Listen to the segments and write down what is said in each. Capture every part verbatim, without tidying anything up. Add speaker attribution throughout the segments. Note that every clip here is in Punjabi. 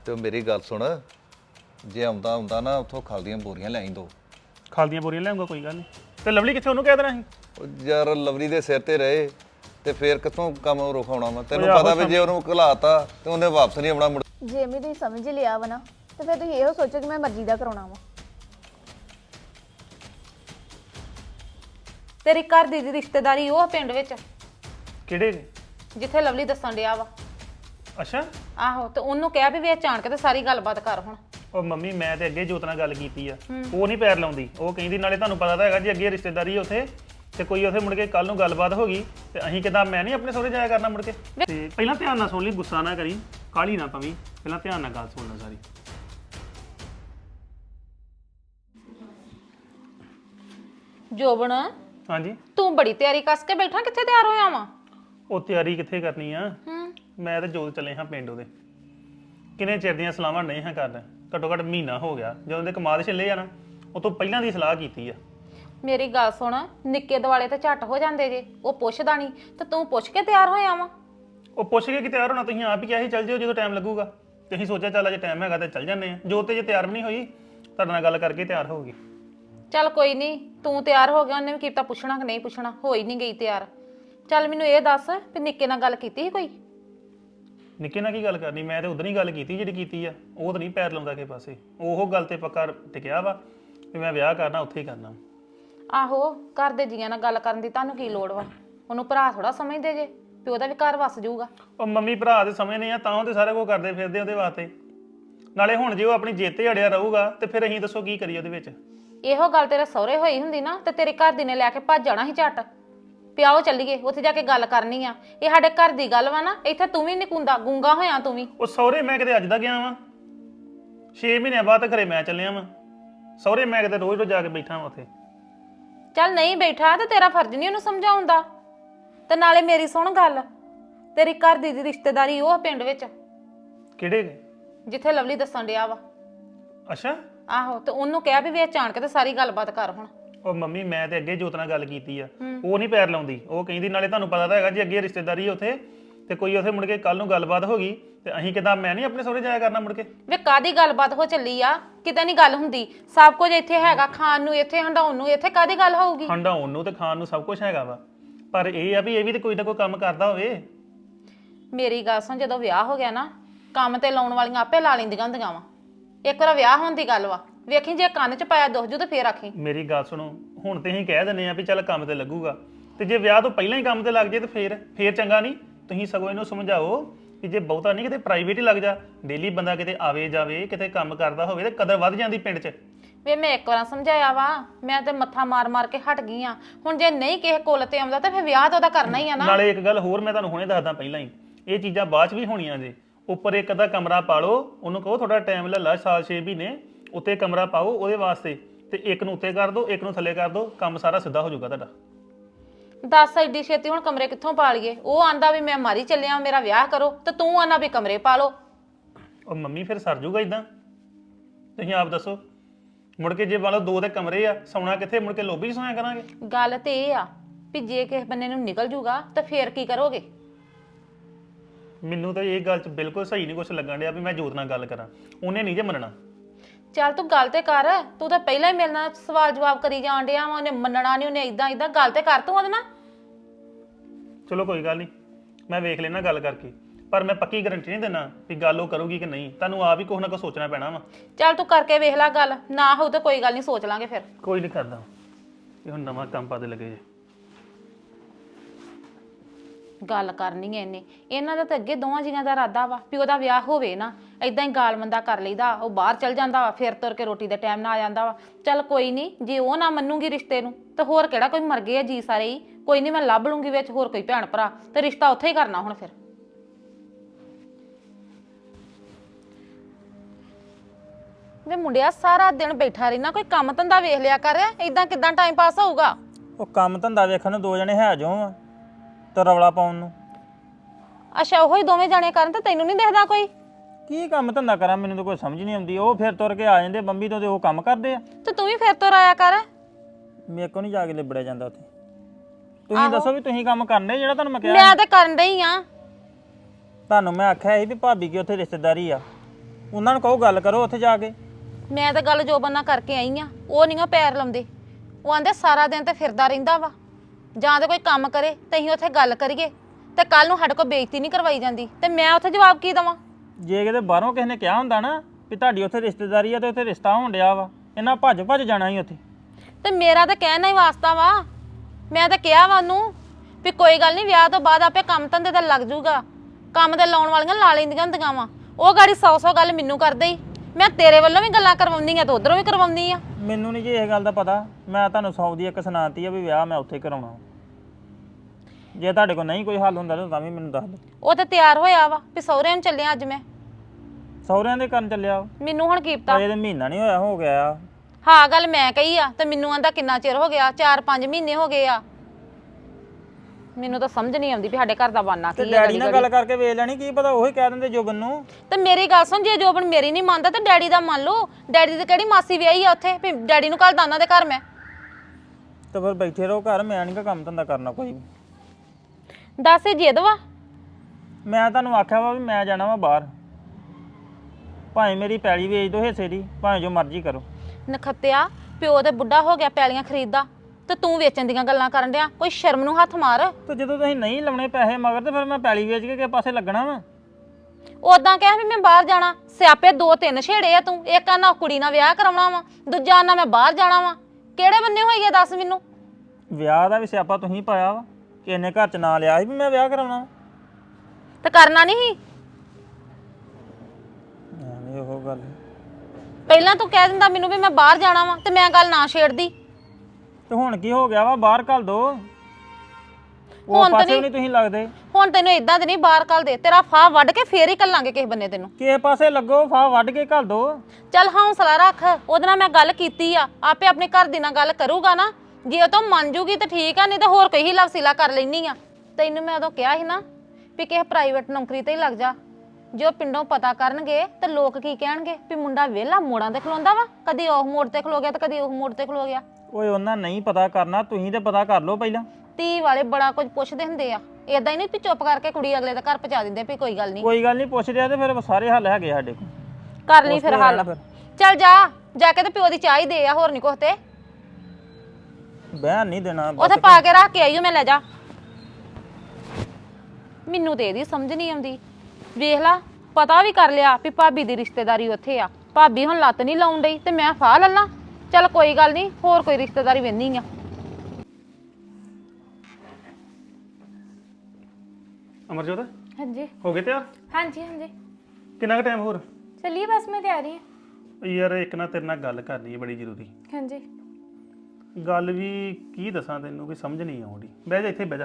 Speaker 1: ਤੇ ਮੇਰੀ ਗੱਲ ਸੁਣ, ਜੇ ਆਉਂਦਾ ਆਉਂਦਾ ਨਾ ਉੱਥੋਂ ਖਲ ਦੀਆਂ ਬੋਰੀਆਂ ਲੈ ਆਈ ਦੋ।
Speaker 2: ਖਲ ਦੀਆਂ ਬੋਰੀਆਂ ਲਿਆਉਂਗਾ, ਕੋਈ ਗੱਲ ਨਹੀਂ। ਤੇ ਲਵਲੀ ਕਿੱਥੇ, ਉਹਨੂੰ ਕਹਿ ਦੇਣਾ ਸੀ।
Speaker 1: ਉਹ ਯਾਰ ਲਵਲੀ ਦੇ ਸਿਰ ਤੇ ਰਹੇ ਤੇ ਫੇਰ ਕਿੱਥੋਂ ਕੰਮ ਰੁਕਾਉਣਾ ਵਾ? ਤੈਨੂੰ
Speaker 2: ਆਹੋ
Speaker 1: ਪਤਾ ਵੀ ਜੇ ਉਹਨੂੰ ਘਲਾਤਾ ਤੇ ਉਹਨੇ ਵਾਪਸ ਨਹੀਂ ਆਉਣਾ ਮੁੜ।
Speaker 3: ਜੇ ਮੈਂ ਤੁਸੀਂ ਸਮਝ ਹੀ ਲਿਆ ਵਾ ਨਾ ਤੇ ਫਿਰ ਤੁਸੀਂ ਇਹੋ ਸੋਚੋ ਕਿ ਮੈਂ ਮਰਜ਼ੀ ਦਾ ਕਰਾਉਣਾ ਵਾ।
Speaker 4: ਤੇਰੀ ਘਰ ਦੀ ਦੀ ਰਿਸ਼ਤੇਦਾਰੀ ਉਹ ਆ ਪਿੰਡ ਵਿੱਚ
Speaker 2: ਕਿਹੜੇ ਨੇ?
Speaker 4: ਜਿੱਥੇ ਲਵਲੀ ਦੱਸਣ ਡਿਆ ਵਾ।
Speaker 2: ਅੱਛਾ।
Speaker 4: ਆਹੋ ਤੇ ਉਹਨੂੰ ਕਿਹਾ ਵੀ ਵੇ ਅਚਾਨਕ ਤੇ ਸਾਰੀ ਗੱਲਬਾਤ ਕਰ ਹੁਣ।
Speaker 2: ਉਹ ਮੰਮੀ ਮੈਂ ਤੇ ਅੱਗੇ ਜੋਤ ਨਾਲ ਗੱਲ ਕੀਤੀ ਆ, ਉਹ ਨਹੀਂ ਪੈਰ ਲਾਉਂਦੀ। ਉਹ ਕਹਿੰਦੀ ਨਾਲੇ ਤੁਹਾਨੂੰ ਪਤਾ ਤਾਂ ਹੈਗਾ ਜੀ ਅੱਗੇ ਰਿਸ਼ਤੇਦਾਰੀ ਆ ਉੱਥੇ, ਤੇ ਕੋਈ ਉੱਥੇ ਮੁੜ ਕੇ ਕੱਲ ਨੂੰ ਗੱਲਬਾਤ ਹੋ ਗਈ ਤੇ ਅਸੀਂ ਕਿਦਾਂ, ਮੈਂ ਨਹੀਂ ਆਪਣੇ ਸਹੁਰੇ ਜਾਇਆ ਕਰਨਾ ਮੁੜ ਕੇ। ਤੇ ਪਹਿਲਾਂ ਧਿਆਨ ਨਾਲ ਸੁਣ ਲਈ, ਗੁੱਸਾ ਨਾ ਕਰੀ, ਕਾਹਲੀ ਨਾ ਪਵੀਂ, ਪਹਿਲਾਂ ਧਿਆਨ ਨਾਲ ਗੱਲ ਸੁਣ ਲੈ ਸਾਰੀ।
Speaker 4: ਜੋਬਨ,
Speaker 2: ਹਾਂਜੀ।
Speaker 4: ਤੂੰ ਬੜੀ ਤਿਆਰੀ ਕੱਸ ਕੇ ਬੈਠਾ, ਕਿੱਥੇ ਤਿਆਰ ਹੋਇਆ ਵਾ?
Speaker 2: ਉਹ ਤਿਆਰੀ ਕਿੱਥੇ ਕਰਨੀ ਆ,
Speaker 4: ਹੂੰ।
Speaker 2: ਮੈਂ ਤੇ ਜੋਤ ਚੱਲੇ ਹਾਂ ਪਿੰਡ ਉਹਦੇ। ਕਿੰਨੇ ਚਿਰ ਦੀਆਂ ਸਲਾਹਾਂ ਨਹੀਂ ਹਾਂ ਕਰਨ, ਘੱਟੋ ਘੱਟ ਮਹੀਨਾ ਹੋ ਗਿਆ ਜਦੋਂ ਦੇ ਕਮਾਲ ਚੱਲੇ ਆ ਨਾ, ਉਹ ਤੋਂ ਪਹਿਲਾਂ ਦੀ ਸਲਾਹ ਕੀਤੀ ਆ।
Speaker 4: ਮੇਰੀ ਗੱਲ ਸੁਣ, ਨਿੱਕੇ ਦਿਵਾਲੇ ਤੇ ਝੱਟ ਹੋ ਜਾਂਦੇ ਜੇ, ਉਹ ਪੁੱਛਦਾ ਨਹੀਂ ਤੇ ਤੂੰ ਪੁੱਛ ਕੇ ਤਿਆਰ ਹੋਇਆ ਵਾ।
Speaker 2: ਉਹ ਪੁੱਛ ਕੇ ਕਿ ਤਿਆਰ ਹੋਣਾ, ਤੁਸੀਂ ਆਪ ਹੀ ਕਿਹਾ ਸੀ ਚੱਲ ਜਿਓ ਜਦੋਂ ਟਾਈਮ ਲੱਗੂਗਾ, ਤੇ ਅਸੀਂ ਸੋਚਿਆ ਚੱਲ ਜੇ ਟਾਈਮ ਹੈਗਾ ਤਾਂ ਚੱਲ ਜਾਂਦੇ ਆ। ਜੋ ਤੇ ਜੇ ਤਿਆਰ ਵੀ ਨਹੀਂ ਹੋਈ, ਤੁਹਾਡੇ ਨਾਲ ਗੱਲ ਕਰਕੇ ਤਿਆਰ ਹੋਊਗੀ।
Speaker 4: ਚੱਲ ਕੋਈ ਨਹੀਂ, ਤੂੰ ਤਿਆਰ ਹੋ ਗਿਆ, ਉਹਨੇ ਵੀ ਕੀਤਾ ਪੁੱਛਣਾ ਕਿ ਨਹੀਂ ਪੁੱਛਣਾ, ਹੋਈ ਨਹੀਂ ਗਈ ਤਿਆਰ। ਚੱਲ ਮੈਨੂੰ ਇਹ ਦੱਸ ਵੀ ਨਿੱਕੇ ਨਾਲ ਗੱਲ ਕੀਤੀ ਸੀ ਕੋਈ?
Speaker 2: ਨਿੱਕੇ ਨਾਲ ਕੀ ਗੱਲ ਕਰਨੀ, ਮੈਂ ਤੇ ਉਧਰ ਹੀ ਗੱਲ ਕੀਤੀ ਜਿਹੜੀ ਕੀਤੀ ਆ। ਉਹ ਤਾਂ ਨਹੀਂ ਪੈਰ ਲਾਉਂਦਾ ਕਿਸੇ ਪਾਸੇ, ਉਹ ਗੱਲ ਤੇ ਪੱਕਾ ਟਿਕਿਆ ਵਾ ਵੀ ਮੈਂ ਵਿਆਹ ਕਰਨਾ ਉੱਥੇ ਹੀ ਕਰਨਾ।
Speaker 4: ਆਹੋ, ਘਰ ਦੇ ਜੀਆਂ ਨਾਲ ਗੱਲ ਕਰਨ ਦੀ ਤੁਹਾਨੂੰ ਕੀ ਲੋੜ ਵਾ? ਉਹਨੂੰ ਭਰਾ ਥੋੜਾ ਸਮਝਦੇ ਜੇ ਵੀ ਉਹਦਾ ਵੀ ਘਰ ਵਸ ਜਾਊਗਾ।
Speaker 2: ਉਹ ਮੰਮੀ ਭਰਾ ਦੇ ਸਮਝਦੇ ਆ ਤਾਂ ਉਹ ਤੇ ਸਾਰਾ ਕੁਝ ਕਰਦੇ ਫਿਰਦੇ ਉਹਦੇ ਵਾਸਤੇ। ਨਾਲੇ ਹੁਣ ਜੇ ਉਹ ਆਪਣੀ ਜਿੱਤ ਤੇ ਅੜਿਆ ਰਹੂਗਾ ਤੇ ਫਿਰ ਅਸੀਂ ਦੱਸੋ ਕੀ ਕਰੀਏ ਉਹਦੇ ਵਿੱਚ।
Speaker 4: ਇਹੋ ਗੱਲ ਤੇਰੇ ਸਹੁਰੇ ਹੋਈ ਹੁੰਦੀ ਨਾ ਤੇ ਤੇਰੇ ਘਰ ਦੀ ਨੇ ਲੈ ਕੇ ਭੱਜ ਜਾਣਾ ਸੀ ਝੱਟ, ਪਿਆਓ ਚੱਲੀਏ ਉੱਥੇ ਜਾ ਕੇ ਗੱਲ ਕਰਨੀ ਆ। ਇਹ ਸਾਡੇ ਘਰ ਦੀ ਗੱਲ ਵਾ ਨਾ, ਇੱਥੇ ਤੂੰ ਵੀ ਨਿਕੁੰਦਾ ਗੂੰਗਾ ਹੋਇਆ ਤੂੰ ਵੀ।
Speaker 2: ਉਹ ਸਹੁਰੇ ਮੈਂ ਕਿਤੇ ਅੱਜ ਦਾ ਗਿਆ ਵਾਂ, ਛੇ ਮਹੀਨਿਆਂ ਬਾਅਦ ਘਰੇ ਮੈਂ ਚੱਲਿਆ ਵਾਂ। ਸਹੁਰੇ ਮੈਂ ਕਿਤੇ ਰੋਜ਼ ਰੋਜ਼ ਜਾ ਕੇ ਬੈਠਾ ਵਾਂ ਉੱਥੇ।
Speaker 4: ਚੱਲ ਨਹੀਂ ਬੈਠਾ ਤੇ ਤੇਰਾ ਫਰਜ਼ ਨਹੀਂ ਉਹਨੂੰ ਸਮਝਾਉਂਦਾ। ਤੇ ਨਾਲੇ ਮੇਰੀ ਸੁਣ ਗੱਲ, ਤੇਰੀ ਘਰ ਦੀ ਦੀ ਰਿਸ਼ਤੇਦਾਰੀ ਉਹ ਪਿੰਡ ਵਿੱਚ
Speaker 2: ਕਿਹੜੇ ਨੇ?
Speaker 4: ਜਿੱਥੇ ਲਵਲੀ ਦੱਸਣ ਡਿਆ ਵਾ।
Speaker 2: ਅੱਛਾ।
Speaker 4: ਆਹੋ, ਤੇ ਉਹਨੂੰ ਕਿਹਾ ਵੀ ਵੇ ਅਚਾਨਕ ਤੇ ਸਾਰੀ ਗੱਲਬਾਤ ਕਰ ਹੁਣ।
Speaker 2: ਉਹ ਮੰਮੀ ਮੈਂ ਤੇ ਅੱਗੇ ਜੋਤ ਨਾਲ ਗੱਲ ਕੀਤੀ ਆ, ਉਹ ਨਹੀਂ ਪੈਰ ਲਾਉਂਦੀ। ਉਹ ਕਹਿੰਦੀ ਨਾਲੇ ਤੁਹਾਨੂੰ ਪਤਾ ਤਾਂ ਹੈਗਾ ਜੀ ਅੱਗੇ ਰਿਸ਼ਤੇਦਾਰੀ ਆ ਉੱਥੇ, ਤੇ ਕੋਈ ਉੱਥੇ ਮੁੜ ਕੇ ਕੱਲ ਨੂੰ ਗੱਲਬਾਤ ਹੋ ਗਈ ਤੇ ਅਸੀਂ ਕਿਦਾਂ, ਮੈਂ ਨਹੀਂ ਆਪਣੇ ਸਹੁਰੇ ਜਾਇਆ ਕਰਨਾ ਮੁੜ ਕੇ।
Speaker 4: ਵੇ ਕਾਦੀ ਗੱਲਬਾਤ ਹੋ ਚੱਲੀ ਆ? ਕਿਤੇ ਨਹੀਂ ਗੱਲ ਹੁੰਦੀ, ਸਭ ਕੁਝ ਇੱਥੇ ਹੈਗਾ, ਖਾਣ ਨੂੰ ਇੱਥੇ, ਹੰਡਾਉਣ ਨੂੰ ਇੱਥੇ, ਕਾਦੀ ਗੱਲ ਹੋਊਗੀ?
Speaker 2: ਹੰਡਾਉਣ ਨੂੰ ਤੇ ਖਾਣ ਨੂੰ ਸਭ ਕੁਝ ਹੈਗਾ ਵਾ, ਪਰ ਇਹ ਆ ਵੀ ਇਹ ਵੀ ਤੇ ਕੋਈ ਨਾ ਕੋਈ ਕੰਮ ਕਰਦਾ ਹੋਵੇ।
Speaker 4: ਮੇਰੀ ਗੱਲ ਸੁਣ, ਜਦੋਂ ਵਿਆਹ ਹੋ ਗਿਆ ਨਾ, ਕੰਮ ਤੇ ਲਾਉਣ ਵਾਲੀਆਂ ਆਪੇ ਲਾ ਲੈਂਦੀਆਂ ਹੁੰਦੀਆਂ ਵਾ। ਇੱਕ ਵਾਰ ਵਿਆਹ ਹੋਣ ਦੀ ਗੱਲ ਵਾ, ਵੇਖੀ ਜੇ ਕੰਨ 'ਚ ਪਾਇਆ ਦੁੱਖ ਜੂ ਤੇ ਫੇਰ ਆਖੀ।
Speaker 2: ਮੇਰੀ ਗੱਲ ਸੁਣੋ, ਹੁਣ ਤੇ ਅਸੀਂ ਕਹਿ ਦਿੰਦੇ ਆ ਵੀ ਚੱਲ ਕੰਮ ਤੇ ਲੱਗੂਗਾ, ਤੇ ਜੇ ਵਿਆਹ ਤੋਂ ਪਹਿਲਾਂ ਹੀ ਕੰਮ ਤੇ ਲੱਗ ਜੇ ਤੇ ਫੇਰ ਫੇਰ ਚੰਗਾ ਨਹੀਂ। ਤੁਸੀਂ ਸਗੋਂ ਇਹਨੂੰ ਸਮਝਾਓ ਕਿ ਜੇ ਬਹੁਤਾ ਨਹੀਂ ਕਿਤੇ ਪ੍ਰਾਈਵੇਟ ਹੀ ਲੱਗ ਜਾ, ਡੇਲੀ ਬੰਦਾ ਕਿਤੇ ਆਵੇ ਜਾਵੇ, ਕਿਤੇ ਕੰਮ ਕਰਦਾ ਹੋਵੇ ਤੇ ਕਦਰ ਵੱਧ ਜਾਂਦੀ ਪਿੰਡ 'ਚ।
Speaker 4: ਵੇ ਮੈਂ ਇੱਕ ਵਾਰ ਸਮਝਾਇਆ ਵਾ, ਮੈਂ ਤੇ ਮੱਥਾ ਮਾਰ ਮਾਰ ਕੇ ਹਟ ਗਈ ਆ। ਹੁਣ ਜੇ ਨਹੀਂ ਕਿਸੇ ਕੋਲ ਤੇ ਆਉਂਦਾ ਤਾਂ ਫੇਰ ਵਿਆਹ ਤਾਂ ਉਹਦਾ ਕਰਨਾ ਹੀ ਆ ਨਾ।
Speaker 2: ਨਾਲੇ ਇੱਕ ਗੱਲ ਹੋਰ ਮੈਂ ਤੁਹਾਨੂੰ ਹੁਣੇ ਦੱਸਦਾ ਪਹਿਲਾਂ ਹੀ, ਇਹ ਚੀਜ਼ਾਂ ਬਾਅਦ 'ਚ ਵੀ ਹੋਣੀਆਂ ਜੇ। ਉੱਪਰ ਇੱਕ ਅੱਧਾ ਕਮਰਾ ਪਾ ਲਓ, ਉਹਨੂੰ ਕਹੋ ਥੋੜਾ ਟਾਈਮ ਲੈ ਲਾ, ਸਾਲ ਛੇ ਮਹੀਨੇ ਉੱਤੇ ਕਮਰਾ ਪਾਓ ਉਹਦੇ ਵਾਸਤੇ, ਤੇ ਇੱਕ ਨੂੰ ਉੱਤੇ ਕਰ ਦਿਓ, ਇੱਕ ਨੂੰ ਥੱਲੇ ਕਰ ਦਿਓ, ਕੰਮ ਸਾਰਾ ਸਿੱਧਾ ਹੋ ਜਾਊਗਾ ਤੁਹਾਡਾ।
Speaker 4: ਦੱਸ ਐਡੀ ਛੇਤੀ ਹੁਣ ਕਮਰੇ ਕਿੱਥੋਂ ਪਾ ਲਈਏ? ਉਹ ਆਂਦਾ ਵੀ ਮੈਂ ਮਾਰੀ ਚੱਲਿਆ, ਮੇਰਾ ਵਿਆਹ ਕਰੋ, ਤੇ ਤੂੰ ਆਂਦਾ ਵੀ ਕਮਰੇ ਪਾ ਲਓ।
Speaker 2: ਉਹ ਮੰਮੀ ਫਿਰ ਸਰ ਜੂਗਾ ਇਦਾਂ? ਤੁਸੀਂ ਆਪ ਦੱਸੋ। ਮੁੜ ਕੇ ਜੇ ਮੰਨ ਲਓ ਦੋ ਦੇ ਕਮਰੇ ਆ, ਸੌਣਾ ਕਿੱਥੇ? ਮੁੜ ਕੇ ਲੋਬੀ 'ਚ ਸੌਂਇਆ ਕਰਾਂਗੇ।
Speaker 4: ਗੱਲ ਤੇ ਇਹ ਆ ਵੀ ਜੇ ਕਿਸੇ ਬੰਨੇ ਨੂੰ ਨਿਕਲ ਜੂਗਾ ਤਾਂ ਫੇਰ ਕੀ ਕਰੋਗੇ?
Speaker 2: ਮੈਨੂੰ ਤਾਂ ਇਹ ਗੱਲ 'ਚ ਬਿਲਕੁਲ ਸਹੀ ਨਹੀਂ ਕੁਝ ਲੱਗਣ ਡਿਆ ਵੀ ਮੈਂ ਜੋਤ ਨਾਲ ਗੱਲ ਕਰਾਂ, ਉਹਨੇ ਨਹੀਂ ਜੇ ਮੰਨਣਾ।
Speaker 4: ਚੱਲ ਤੂੰ ਗੱਲ ਤੇ ਕਰ, ਤੂੰ ਤਾਂ ਪਹਿਲਾਂ ਹੀ ਮੇਰੇ ਨਾਲ ਸਵਾਲ ਜਵਾਬ ਕਰੀ ਜਾਣ ਡਿਆ ਵਾ, ਉਹਨੇ ਮੰਨਣਾ ਨਹੀਂ, ਉਹਨੇ ਇਦਾਂ ਇਦਾਂ। ਗੱਲ ਤੇ ਕਰ ਤੂੰ ਉਹਦੇ ਨਾਲ।
Speaker 2: ਚਲੋ ਕੋਈ ਗੱਲ ਨਹੀਂ, ਮੈਂ ਵੇਖ ਲੈਣਾ ਗੱਲ ਕਰਕੇ, ਪਰ ਮੈਂ ਪੱਕੀ ਗਾਰੰਟੀ ਨਹੀਂ ਦਿੰਦਾ ਵੀ ਗੱਲ ਉਹ ਕਰੂਗੀ ਕਿ ਨਹੀਂ। ਤੁਹਾਨੂੰ ਆਪ ਹੀ ਕੁਛ ਨਾ ਕੁਛ ਸੋਚਣਾ ਪੈਣਾ ਵਾ।
Speaker 4: ਚੱਲ ਤੂੰ ਕਰਕੇ ਵੇਖ ਲੈ ਗੱਲ, ਨਾ ਹੋਊ ਤਾਂ ਕੋਈ ਗੱਲ ਨਹੀਂ, ਸੋਚ ਲਾਂਗੇ ਫਿਰ।
Speaker 2: ਕੋਈ ਨਹੀਂ ਕਰਦਾ, ਇਹ ਹੁਣ ਨਵਾਂ ਕੰਮ ਪਾਦੇ ਲੱਗੇ ਜੇ।
Speaker 4: ਗੱਲ ਕਰਨੀ ਐ ਇਹਨੇ, ਇਹਨਾਂ ਦਾ ਤਾਂ ਅੱਗੇ ਦੋਵਾਂ ਜੀਆਂ ਦਾ ਇਰਾਦਾ ਵਾ ਵੀ ਉਹਦਾ ਵਿਆਹ ਹੋਵੇ ਨਾ। ਇਦਾਂ ਹੀ ਗਾਲ ਮੰਦਾ ਕਰ ਲਈਦਾ, ਉਹ ਬਾਹਰ ਚਲ ਜਾਂਦਾ ਵਾ, ਫਿਰ ਤੁਰ ਕੇ ਰੋਟੀ ਦੇ ਟਾਈਮ ਨਾਲ ਆ ਜਾਂਦਾ ਵਾ। ਚੱਲ ਕੋਈ ਨਹੀਂ, ਜੇ ਉਹ ਨਾ ਮੰਨੂਗੀ ਰਿਸ਼ਤੇ ਨੂੰ ਤਾਂ ਹੋਰ ਕਿਹੜਾ ਕੋਈ ਮਰ ਗਏ ਆ ਜੀ ਸਾਰੇ ਹੀ। ਕੋਈ ਨਹੀਂ, ਮੈਂ ਲੱਭ ਲੂੰਗੀ ਵਿੱਚ ਹੋਰ ਕੋਈ ਭੈਣ ਭਰਾ, ਤੇ ਰਿਸ਼ਤਾ ਉੱਥੇ ਹੀ ਕਰਨਾ ਹੁਣ ਫਿਰ। ਵੇ ਮੁੰਡਿਆ, ਸਾਰਾ ਦਿਨ ਬੈਠਾ ਰਹਿਣਾ, ਕੋਈ ਕੰਮ ਧੰਦਾ ਵੇਖ ਲਿਆ ਕਰ। ਇਦਾਂ ਕਿਦਾਂ ਟਾਈਮ ਪਾਸ ਹੋਊਗਾ?
Speaker 5: ਉਹ ਕੰਮ ਧੰਦਾ ਵੇਖਣ ਨੂੰ ਦੋ ਜਣੇ ਹੈ ਜੋ ਆ ਤੇ ਰੌਲਾ ਪਾਉਣ ਨੂੰ।
Speaker 4: ਅੱਛਾ, ਉਹੋ ਹੀ ਦੋਵੇਂ ਜਾਣੇ ਕਰਨ ਤੇ ਤੈਨੂੰ ਨਹੀਂ ਦਿਖਦਾ ਕੋਈ?
Speaker 5: ਕੀ ਕੰਮ ਧੰਦਾ ਕਰਾਂ, ਮੈਨੂੰ ਤਾਂ ਕੋਈ ਸਮਝ ਨਹੀਂ ਆਉਂਦੀ। ਉਹ ਫਿਰ ਤੁਰ ਕੇ ਆ ਜਾਂਦੇ ਬੰਬੀ ਤੋਂ ਤੇ ਉਹ ਕੰਮ ਕਰਦੇ ਆ,
Speaker 4: ਤੇ ਤੂੰ ਵੀ ਫਿਰ ਤੁਰ ਆਇਆ ਕਰ।
Speaker 5: ਮੇਰੇ ਕੋਲ ਨਹੀਂ ਜਾ ਕੇ ਲਿਬੜਿਆ ਜਾਂਦਾ ਉੱਥੇ। ਤੁਸੀਂ ਦੱਸੋ ਵੀ ਤੁਸੀਂ ਕੰਮ ਕਰਨੇ ਜਿਹੜਾ ਤੁਹਾਨੂੰ ਮੈਂ ਕਿਹਾ।
Speaker 4: ਮੈਂ ਤਾਂ ਕਰਨ ਡਈ ਆ।
Speaker 5: ਤੁਹਾਨੂੰ ਮੈਂ ਆਖਿਆ ਸੀ ਵੀ ਭਾਬੀ ਕੀ ਉੱਥੇ ਰਿਸ਼ਤੇਦਾਰੀ ਆ, ਉਹਨਾਂ ਨੂੰ ਕਹੋ ਗੱਲ ਕਰੋ ਉੱਥੇ ਜਾ ਕੇ।
Speaker 4: ਮੈਂ ਤਾਂ ਗੱਲ ਜੋਬਨ ਨਾਲ ਕਰਕੇ ਆਈ ਆ, ਉਹ ਨਹੀਂਗਾ ਪੈਰ ਲਾਉਂਦੇ। ਉਹ ਆਂਦੇ ਸਾਰਾ ਦਿਨ ਤੇ ਫਿਰਦਾ ਰਹਿੰਦਾ ਵਾ, ਜਾਂ ਤੇ ਕੋਈ ਕੰਮ ਕਰੇ ਤੇ ਅਸੀਂ ਉੱਥੇ ਗੱਲ ਕਰੀਏ ਤੇ ਕੱਲ ਨੂੰ ਸਾਡੇ ਕੋਲ ਬੇਇੱਜ਼ਤੀ ਨਹੀਂ ਕਰਵਾਈ ਜਾਂਦੀ। ਤੇ ਮੈਂ ਉੱਥੇ ਜਵਾਬ ਕੀ ਦੇਵਾਂ?
Speaker 5: ਜੇ ਕਿਤੇ ਬਾਹਰੋਂ ਕਿਸੇ ਨੇ ਕਿਹਾ ਹੁੰਦਾ ਨਾ ਵੀ ਤੁਹਾਡੀ ਉੱਥੇ ਰਿਸ਼ਤੇਦਾਰੀ ਆ ਤੇ ਉੱਥੇ ਰਿਸ਼ਤਾ ਹੋਣ ਡਿਆ ਵਾ, ਇਹਨਾਂ ਭੱਜ ਭੱਜ ਜਾਣਾ ਸੀ ਉੱਥੇ।
Speaker 4: ਤੇ ਮੇਰਾ ਤਾਂ ਕਹਿਣਾ ਹੀ ਵਾਸਤਾ ਵਾ, ਮੈਂ ਤਾਂ ਕਿਹਾ ਵਾ ਉਹਨੂੰ ਵੀ ਕੋਈ ਗੱਲ ਨਹੀਂ, ਵਿਆਹ ਤੋਂ ਬਾਅਦ ਆਪੇ ਕੰਮ ਧੰਦੇ ਤੇ ਲੱਗ ਜਾਊਗਾ, ਕੰਮ ਤੇ ਲਾਉਣ ਵਾਲੀਆਂ ਲਾ ਲੈਂਦੀਆਂ ਹੁੰਦੀਆਂ ਵਾ। ਉਹ ਗਾੜੀ ਸੌ ਸੌ ਗੱਲ ਮੈਨੂੰ ਕਰਦੇ ਹੀ, ਮੈਂ ਤੇਰੇ ਵੱਲੋਂ ਵੀ ਗੱਲਾਂ ਕਰਵਾਉਂਦੀ ਆ ਤੇ ਉਧਰੋਂ ਵੀ ਕਰਵਾਉਂਦੀ ਆ।
Speaker 5: ਮੈਨੂੰ ਨਹੀਂ ਜੀ ਇਹ ਗੱਲ ਦਾ ਪਤਾ, ਮੈਂ ਤੁਹਾਨੂੰ ਸੌ ਦੀ ਇੱਕ ਸੁਣਾਤੀ ਆ ਵੀ ਵਿਆਹ ਮੈਂ ਉੱਥੇ ਕਰਾਉਣਾ। ਜੇ ਤੁਹਾਡੇ ਕੋਲ ਨਹੀਂ ਕੋਈ ਹੱਲ ਹੁੰਦਾ ਤਾਂ ਵੀ ਮੈਨੂੰ ਦੱਸ ਦਿਓ।
Speaker 4: ਉਹ ਤੇ ਤਿਆਰ ਹੋਇਆ ਵਾ ਵੀ ਸਹੁਰਿਆਂ ਨੂੰ ਚੱਲਿਆ ਅੱਜ ਮੈਂ।
Speaker 5: ਸਹੁਰਿਆਂ ਦੇ ਕਰਨ ਚੱਲਿਆ ਵਾ।
Speaker 4: ਮੈਨੂੰ ਹੁਣ ਕੀ ਪਤਾ।
Speaker 5: ਅਜੇ ਤੇ ਮਹੀਨਾ ਨਹੀਂ ਹੋਇਆ, ਹੋ ਗਿਆ।
Speaker 4: ਹਾਂ ਗੱਲ ਮੈਂ ਕਹੀ ਆ ਤੇ ਮੈਨੂੰ ਆਂਦਾ ਕਿੰਨਾ ਚਿਰ ਹੋ ਗਿਆ, ਚਾਰ ਪੰਜ ਮਹੀਨੇ ਹੋ ਗਏ ਆ। ਮੈਨੂੰ ਤਾਂ ਸਮਝ ਨਹੀਂ ਆਉਂਦੀ ਵੀ ਸਾਡੇ ਘਰ ਦਾ ਬਾਨਾ
Speaker 5: ਤੇ
Speaker 4: ਕੀ ਹੈ।
Speaker 5: ਡੈਡੀ ਨਾਲ ਗੱਲ ਕਰਕੇ ਵੇਖ ਲੈਣੀ, ਕੀ ਪਤਾ ਉਹੀ ਕਹਿ ਦਿੰਦੇ ਜੋਬਨ ਨੂੰ।
Speaker 4: ਤੇ ਮੇਰੀ ਗੱਲ ਸੁਣ, ਜੇ ਜੋਬਨ ਮੇਰੀ ਨਹੀਂ ਮੰਨਦਾ ਤੇ ਡੈਡੀ ਦਾ ਮੰਨ ਲਓ। ਡੈਡੀ ਦੀ ਕਿਹੜੀ ਮਾਸੀ ਵਿਆਹੀ ਆ ਉੱਥੇ ਵੀ ਡੈਡੀ ਨੂੰ ਕੱਲ ਦਾਨਾ ਦੇ ਘਰ ਮੈਂ।
Speaker 5: ਤੇ ਫਿਰ ਬੈਠੇ ਰਹੋ ਘਰ, ਮੈਂ ਨਹੀਂ ਕੰਮ ਧੰਦਾ ਕਰਨਾ ਕੋਈ ਵੀ।
Speaker 4: ਦੱਸ ਇਹ ਜਿੱਦ ਵਾ?
Speaker 5: ਮੈਂ ਤੁਹਾਨੂੰ ਆਖਿਆ ਵਾ ਵੀ ਮੈਂ ਜਾਣਾ ਵਾ ਬਾਹਰ, ਭਾਵੇਂ ਮੇਰੀ ਪੈਲੀ ਵੇਚ ਦਿਓ ਹਿੱਸੇ ਦੀ, ਭਾਵੇਂ ਜੋ ਮਰਜ਼ੀ ਕਰੋ।
Speaker 4: ਨਖੱਤਿਆ, ਪਿਓ ਤੇ ਬੁੱਢਾ ਹੋ ਗਿਆ ਪੈਲੀਆਂ ਖਰੀਦਦਾ ਤੇ ਤੂੰ ਵੇਚਣ ਦੀਆਂ ਗੱਲਾਂ ਕਰਨ ਡਿਆ। ਕੋਈ ਸ਼ਰਮ ਨੂੰ ਹੱਥ ਮਾਰ।
Speaker 5: ਤੇ ਜਦੋਂ ਤੁਸੀਂ ਨਹੀਂ ਲਾਉਣੇ ਪੈਸੇ ਮਗਰ ਤੇ ਫਿਰ ਮੈਂ ਪੈਲੀ ਵੇਚ ਕੇ ਕਿਸੇ ਪਾਸੇ ਲੱਗਣਾ ਵਾ।
Speaker 4: ਉਦਾਂ ਕਹਿ ਵੀ ਮੈਂ ਬਾਹਰ ਜਾਣਾ, ਸਿਆਪੇ ਦੋ ਤਿੰਨ ਛੇੜੇ ਆ ਤੂੰ। ਇੱਕ ਆਨਾ ਕੁੜੀ ਨਾਲ ਵਿਆਹ ਕਰਾਉਣਾ ਵਾ, ਦੂਜਾ ਆਨਾ ਮੈਂ ਬਾਹਰ ਜਾਣਾ ਵਾ। ਕਿਹੜੇ ਬੰਨੇ ਹੋਈ ਆ ਦੱਸ ਮੈਨੂੰ?
Speaker 5: ਵਿਆਹ ਦਾ ਵੀ ਸਿਆਪਾ ਤੁਸੀਂ ਪਾਇਆ ਵਾ ਕਿ ਇਹਨੇ ਘਰ ਚ ਨਾਂ ਲਿਆ ਸੀ ਵੀ ਮੈਂ ਵਿਆਹ ਕਰਾਉਣਾ।
Speaker 4: ਤੇ ਕਰਨਾ ਨਹੀਂ?
Speaker 5: ਐਵੇਂ ਉਹ ਗੱਲ।
Speaker 4: ਪਹਿਲਾਂ ਤੂੰ ਕਹਿ ਦਿੰਦਾ ਮੈਨੂੰ ਵੀ ਮੈਂ ਬਾਹਰ ਜਾਣਾ ਵਾ ਤੇ ਮੈਂ ਗੱਲ ਨਾ ਛੇੜਦੀ।
Speaker 5: ਤੇ ਹੁਣ ਕੀ ਹੋ ਗਿਆ ਵਾ? ਬਾਹਰ ਘੱਲ ਦੋ। ਉਹ ਪਾਸੇ ਨਹੀਂ ਤੁਸੀਂ ਲੱਗਦੇ।
Speaker 4: ਹੁਣ ਤੈਨੂੰ ਇਦਾਂ ਤੇ ਨਹੀਂ ਬਾਹਰ ਕੱਲ ਦੇ, ਤੇਰਾ ਫਾਹ ਵੱਢ ਕੇ ਫੇਰ ਹੀ ਕੱਲਾਂਗੇ ਕਿਸੇ ਬੰਨੇ ਤੈਨੂੰ।
Speaker 5: ਕਿਸੇ ਪਾਸੇ ਲੱਗੋ, ਫਾਹ ਵੱਢ ਕੇ ਘੱਲ ਦੋ।
Speaker 4: ਚੱਲ ਹੌਸਲਾ ਰੱਖ, ਉਹਦੇ ਨਾਲ ਮੈਂ ਗੱਲ ਕੀਤੀ ਆ, ਆਪੇ ਆਪਣੇ ਘਰ ਦੀ ਨਾਲ ਗੱਲ ਕਰੂਗਾ ਨਾ। ਜੇ ਉਹ ਤੋਂ ਮੰਨ ਜੂਗੀ ਤਾਂ ਠੀਕ ਆ, ਨਹੀਂ ਤਾਂ ਹੋਰ ਕੋਈ ਹੀਲਾ ਵਸੀਲਾ ਕਰ ਲੈਣੀ ਆ। ਤੈਨੂੰ ਮੈਂ ਉਦੋਂ ਕਿਹਾ ਸੀ ਨਾ ਵੀ ਕਿਸੇ ਪ੍ਰਾਈਵੇਟ ਨੌਕਰੀ ਤੇ ਹੀ ਲੱਗ ਜਾ। ਜੇ ਉਹ ਪਿੰਡੋਂ ਪਤਾ ਕਰਨਗੇ ਤੇ ਲੋਕ ਕੀ ਕਹਿਣਗੇ ਵੀ ਮੁੰਡਾ ਵਿਹਲਾ ਮੋੜਾਂ ਤੇ ਖਲੋਂਦਾ ਵਾ, ਕਦੀ ਉਹ ਮੋੜ ਤੇ ਖਲੋ ਗਿਆ ਤੇ ਕਦੀ ਉਹ ਮੋੜ ਤੇ ਖਲੋ ਗਿਆ।
Speaker 5: ਓਏ ਉਹਨਾਂ ਨਹੀਂ ਪਤਾ ਕਰਨਾ, ਤੁਸੀਂ ਤੇ ਪਤਾ ਕਰ ਲਓ ਪਹਿਲਾਂ।
Speaker 4: ਧੀ ਵਾਲੇ ਬੜਾ ਕੁਝ ਪੁੱਛਦੇ ਹੁੰਦੇ ਆ, ਏਦਾਂ ਹੀ ਨਹੀਂ ਵੀ ਚੁੱਪ ਕਰਕੇ ਕੁੜੀ ਅਗਲੇ ਦੇ ਘਰ ਪਹੁੰਚਾ ਦਿੰਦੇ ਵੀ ਕੋਈ ਗੱਲ ਨਹੀਂ।
Speaker 5: ਕੋਈ ਗੱਲ ਨਹੀਂ, ਪੁੱਛਦੇ ਆ ਤੇ ਫਿਰ ਸਾਰੇ ਹੱਲ ਹੈਗੇ ਸਾਡੇ ਕੋਲ।
Speaker 4: ਕਰ ਲਈ ਫਿਰ ਹੱਲ। ਚੱਲ ਜਾ ਜਾ ਕੇ ਤੇ ਪਿਓ ਦੀ ਚਾਹ ਹੀ ਦੇ ਆ, ਹੋਰ ਨਹੀਂ ਕੁਛ। ਤੇ
Speaker 5: ਬਹਿਣ ਨਹੀਂ ਦੇਣਾ
Speaker 4: ਉੱਥੇ ਪਾ ਕੇ ਰੱਖ ਕੇ ਆਈਓ, ਮੈਂ ਲੈ ਜਾ। ਮੈਨੂੰ ਤੇ ਇਹਦੀ ਸਮਝ ਨਹੀਂ ਆਉਂਦੀ। ਵੇਖ ਲਾ, ਪਤਾ ਵੀ ਕਰ ਲਿਆ ਵੀ ਭਾਬੀ ਦੀ ਰਿਸ਼ਤੇਦਾਰੀ ਉੱਥੇ ਆ। ਭਾਬੀ ਹੁਣ ਲੱਤ ਨਹੀਂ ਲਾਉਣ ਡਈ ਤੇ ਮੈਂ ਫਾਹ ਲੱਲਾ। ਚੱਲ ਕੋਈ ਗੱਲ ਨਹੀਂ, ਹੋਰ ਕੋਈ ਰਿਸ਼ਤੇਦਾਰੀ ਵੇਖਣੀ ਆ।
Speaker 2: ਅਮਰਜੋਤ
Speaker 6: ਹਾਂਜੀ
Speaker 2: ਹੋ ਗਏ ਤਿਆਰ?
Speaker 6: ਹਾਂਜੀ ਹਾਂਜੀ
Speaker 2: ਕਿੰਨਾ ਕੁ ਟਾਈਮ ਹੋਰ?
Speaker 6: ਚੱਲੀਏ ਬਸ ਮੈਂ ਤਿਆਰ ਹੀ ਹਾਂ।
Speaker 2: ਯਾਰ ਇੱਕ ਨਾ ਤੇਰੇ ਨਾਲ ਗੱਲ ਕਰਨੀ ਹੈ ਬੜੀ ਜ਼ਰੂਰੀ।
Speaker 6: ਹਾਂਜੀ
Speaker 2: ਗੱਲ ਵੀ ਕੀ ਦੱਸਾਂ ਤੈਨੂੰ, ਕੋਈ ਸਮਝ ਨਹੀਂ ਆਉਂਦੀ। ਬਹਿ ਜਾ ਇੱਥੇ ਬਹਿ ਜਾ।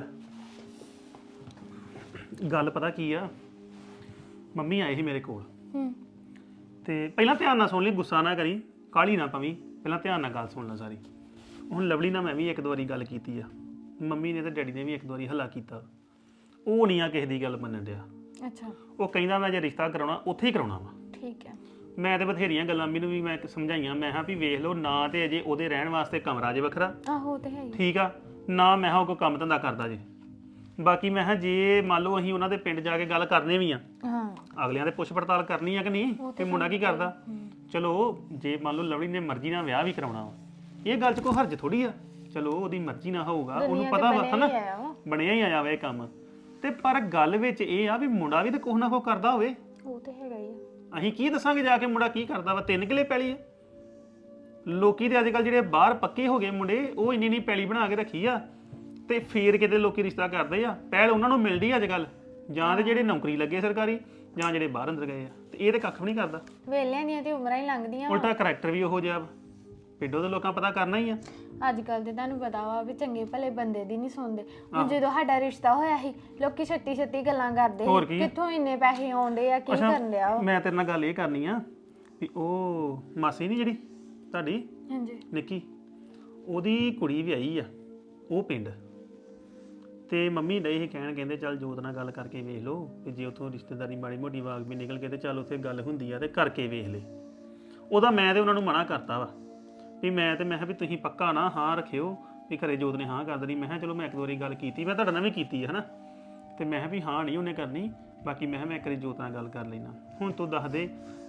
Speaker 2: ਗੱਲ ਪਤਾ ਕੀ ਆ, ਮੰਮੀ ਆਏ ਸੀ ਮੇਰੇ ਕੋਲ
Speaker 6: ਹੂੰ
Speaker 2: ਤੇ ਪਹਿਲਾਂ ਧਿਆਨ ਨਾਲ ਸੁਣ ਲਈ, ਗੁੱਸਾ ਨਾ ਕਰੀ, ਕਾਹਲੀ ਨਾ ਪਵੀਂ, ਪਹਿਲਾਂ ਧਿਆਨ ਨਾਲ ਗੱਲ ਸੁਣ ਲੈ ਸਾਰੀ। ਹੁਣ ਲਵਲੀ ਨਾਲ ਮੈਂ ਵੀ ਇੱਕ ਦੋ ਵਾਰੀ ਗੱਲ ਕੀਤੀ ਆ, ਮੰਮੀ ਨੇ ਤੇ ਡੈਡੀ ਨੇ ਵੀ ਇੱਕ ਦੋ ਵਾਰੀ ਹੱਲਾ ਕੀਤਾ। ਉਹ ਨਹੀਂ ਆ ਕਿਸੇ ਦੀ ਗੱਲ ਮੰਨਣ ਡਿਆ।
Speaker 6: ਅੱਛਾ
Speaker 2: ਉਹ ਕਹਿੰਦਾ ਮੈਂ ਜੇ ਰਿਸ਼ਤਾ ਕਰਾਉਣਾ ਉੱਥੇ ਹੀ ਕਰਾਉਣਾ ਵਾ।
Speaker 6: ਠੀਕ ਹੈ।
Speaker 2: ਮੈਂ ਤੇ ਬਥੇਰੀਆਂ ਗੱਲਾਂ ਮੈਨੂੰ ਵੀ ਮੈਂ ਸਮਝਾਈਆਂ, ਮੈਂ ਕਿਹਾ ਵੀ ਵੇਖ ਲਓ ਨਾ ਤੇ ਅਜੇ ਉਹਦੇ ਰਹਿਣ ਵਾਸਤੇ ਕਮਰਾ ਜੇ ਵੱਖਰਾ,
Speaker 6: ਆਹੋ ਉਹ ਤੇ ਹੈ ਹੀ।
Speaker 2: ਠੀਕ ਆ ਨਾ, ਮੈਂ ਕਿਹਾ ਉਹ ਕੋਈ ਕੰਮ ਧੰਦਾ ਕਰਦਾ ਜੇ। ਬਾਕੀ ਮੈਂ ਕਿਹਾ ਜੇ ਮੰਨ ਲਓ ਅਸੀਂ ਉਹਨਾਂ ਦੇ ਪਿੰਡ ਜਾ ਕੇ ਗੱਲ ਕਰਨੇ ਵੀ ਆ,
Speaker 6: ਹਾਂ
Speaker 2: ਅਗਲਿਆਂ ਦੇ ਪੁੱਛ ਪੜਤਾਲ ਕਰਨੀ ਆ ਕਿ ਨਹੀਂ ਕਿ ਮੁੰਡਾ ਕੀ ਕਰਦਾ। ਚਲੋ ਜੇ ਮੰਨ ਲਓ ਲਵਲੀ ਨੇ ਮਰਜ਼ੀ ਨਾਲ ਵਿਆਹ ਵੀ ਕਰਾਉਣਾ ਵਾ, ਇਹ ਗੱਲ 'ਚ ਕੋਈ ਹਰਜ ਥੋੜੀ ਆ। ਚਲੋ ਉਹਦੀ ਮਰਜ਼ੀ ਨਾਲ ਹੋਊਗਾ, ਉਹਨੂੰ ਪਤਾ ਵਾ ਹਨਾ, ਬਣਿਆ ਹੀ ਆਇਆ ਵਾ ਇਹ ਕੰਮ। ਤੇ ਪਰ ਗੱਲ ਵਿੱਚ ਇਹ ਆ ਵੀ ਮੁੰਡਾ ਵੀ ਤਾਂ ਕੁਛ ਨਾ ਕੁਛ ਕਰਦਾ ਹੋਵੇ।
Speaker 6: ਉਹ ਤੇ ਹੈਗਾ ਹੀ ਆ।
Speaker 2: ਅਸੀਂ ਕੀ ਦੱਸਾਂਗੇ ਜਾ ਕੇ ਮੁੰਡਾ ਕੀ ਕਰਦਾ ਵਾ? ਤਿੰਨ ਕਿਲੇ ਪੈਲੀ ਆ। ਲੋਕੀ ਦੇ ਅੱਜ ਕੱਲ ਜਿਹੜੇ ਬਾਹਰ ਪੱਕੇ ਹੋ ਗਏ ਮੁੰਡੇ, ਉਹ ਇੰਨੀ ਇੰਨੀ ਪੈਲੀ ਬਣਾ ਕੇ ਰੱਖੀ ਆ ਤੇ ਫੇਰ ਕਿਤੇ ਲੋਕੀ ਰਿਸ਼ਤਾ ਕਰਦੇ ਆ। ਪਹਿਲ ਉਹਨਾਂ ਨੂੰ ਮਿਲਦੀ ਆ ਅੱਜ ਕੱਲ, ਜਾਂ ਤੇ ਜਿਹੜੇ ਨੌਕਰੀ ਲੱਗੇ ਸਰਕਾਰੀ, ਜਾਂ ਜਿਹੜੇ ਬਾਹਰ ਅੰਦਰ ਗਏ ਆ। ਤੇ ਇਹ ਤੇ ਕੱਖ ਵੀ ਨਹੀਂ ਕਰਦਾ।
Speaker 6: ਵੇਲਿਆਂ ਦੀਆਂ ਤੇ ਉਮਰਾਂ ਹੀ ਲੰਘਦੀਆਂ।
Speaker 2: ਉਲਟਾ ਕਰੈਕਟਰ ਵੀ ਉਹੋ ਜਿਹਾ। ਪਿੰਡੋਂ ਦੇ ਲੋਕਾਂ ਪਤਾ ਕਰਨਾ ਹੀ ਆ।
Speaker 6: ਅੱਜ ਕੱਲ ਤੇ ਤੁਹਾਨੂੰ ਪਤਾ ਵਾ ਵੀ ਚੰਗੇ ਭਲੇ ਬੰਦੇ ਦੀ ਨਹੀਂ ਸੁਣਦੇ। ਹੁਣ ਜਦੋਂ ਸਾਡਾ ਰਿਸ਼ਤਾ ਹੋਇਆ ਸੀ, ਲੋਕੀ ਛੱਤੀ ਛੱਤੀ ਗੱਲਾਂ ਕਰਦੇ ਸੀ, ਕਿੱਥੋਂ ਇੰਨੇ ਪੈਸੇ ਆਉਂਦੇ ਆ, ਕੀ ਕਰਨ ਡਿਆ ਉਹ।
Speaker 2: ਮੈਂ ਤੇਰੇ ਨਾਲ ਗੱਲ ਇਹ ਕਰਨੀ ਆ ਵੀ ਉਹ ਮਾਸੀ ਨਹੀਂ ਜਿਹੜੀ ਤੁਹਾਡੀ
Speaker 6: ਹਾਂਜੀ
Speaker 2: ਨਿੱਕੀ, ਉਹਦੀ ਕੁੜੀ ਵਿਆਹੀ ਆ ਉਹ ਪਿੰਡ। ਤੇ ਮੰਮੀ ਡੇ ਇਹ ਕਹਿਣ, ਕਹਿੰਦੇ ਚੱਲ ਜੋਤ ਨਾਲ ਗੱਲ ਕਰਕੇ ਵੇਖ ਲਓ ਕਿ ਜੇ ਉੱਥੋਂ ਰਿਸ਼ਤੇਦਾਰੀ ਮਾੜੀ ਮੋਟੀ ਵਾਗ ਵੀ ਨਿਕਲ ਕੇ ਤੇ ਚੱਲ ਉੱਥੇ ਗੱਲ ਹੁੰਦੀ ਆ ਤੇ ਕਰਕੇ ਵੇਖ ਲੈ। ਉਹਦਾ ਮੈਂ ਤੇ ਉਹਨਾਂ ਨੂੰ ਮਨਾ ਕਰਤਾ ਵਾ ਵੀ ਮੈਂ ਤੇ ਮੈਂ ਕਿਹਾ ਵੀ ਤੁਸੀਂ ਪੱਕਾ ਨਾ ਹਾਂ ਰੱਖਿਓ ਵੀ ਘਰੇ ਜੋਤ ਨੇ ਹਾਂ ਕਰ ਦੇਣੀ। ਮੈਂ ਕਿਹਾ ਚਲੋ ਮੈਂ ਇੱਕ ਦੋ ਵਾਰੀ ਗੱਲ ਕੀਤੀ, ਮੈਂ ਤੁਹਾਡੇ ਨਾਲ ਵੀ ਕੀਤੀ ਹੈ ਹਨਾ, ਤੇ ਮੈਂ ਕਿਹਾ ਵੀ ਹਾਂ ਨਹੀਂ ਉਹਨੇ ਕਰਨੀ। ਬਾਕੀ ਮੈਂ ਕਿਹਾ ਮੈਂ ਇੱਕ ਵਾਰੀ ਜੋਤ ਨਾਲ ਗੱਲ ਕਰ ਲੈਣਾ। ਹੁਣ ਤੂੰ ਦੱਸ ਦੇ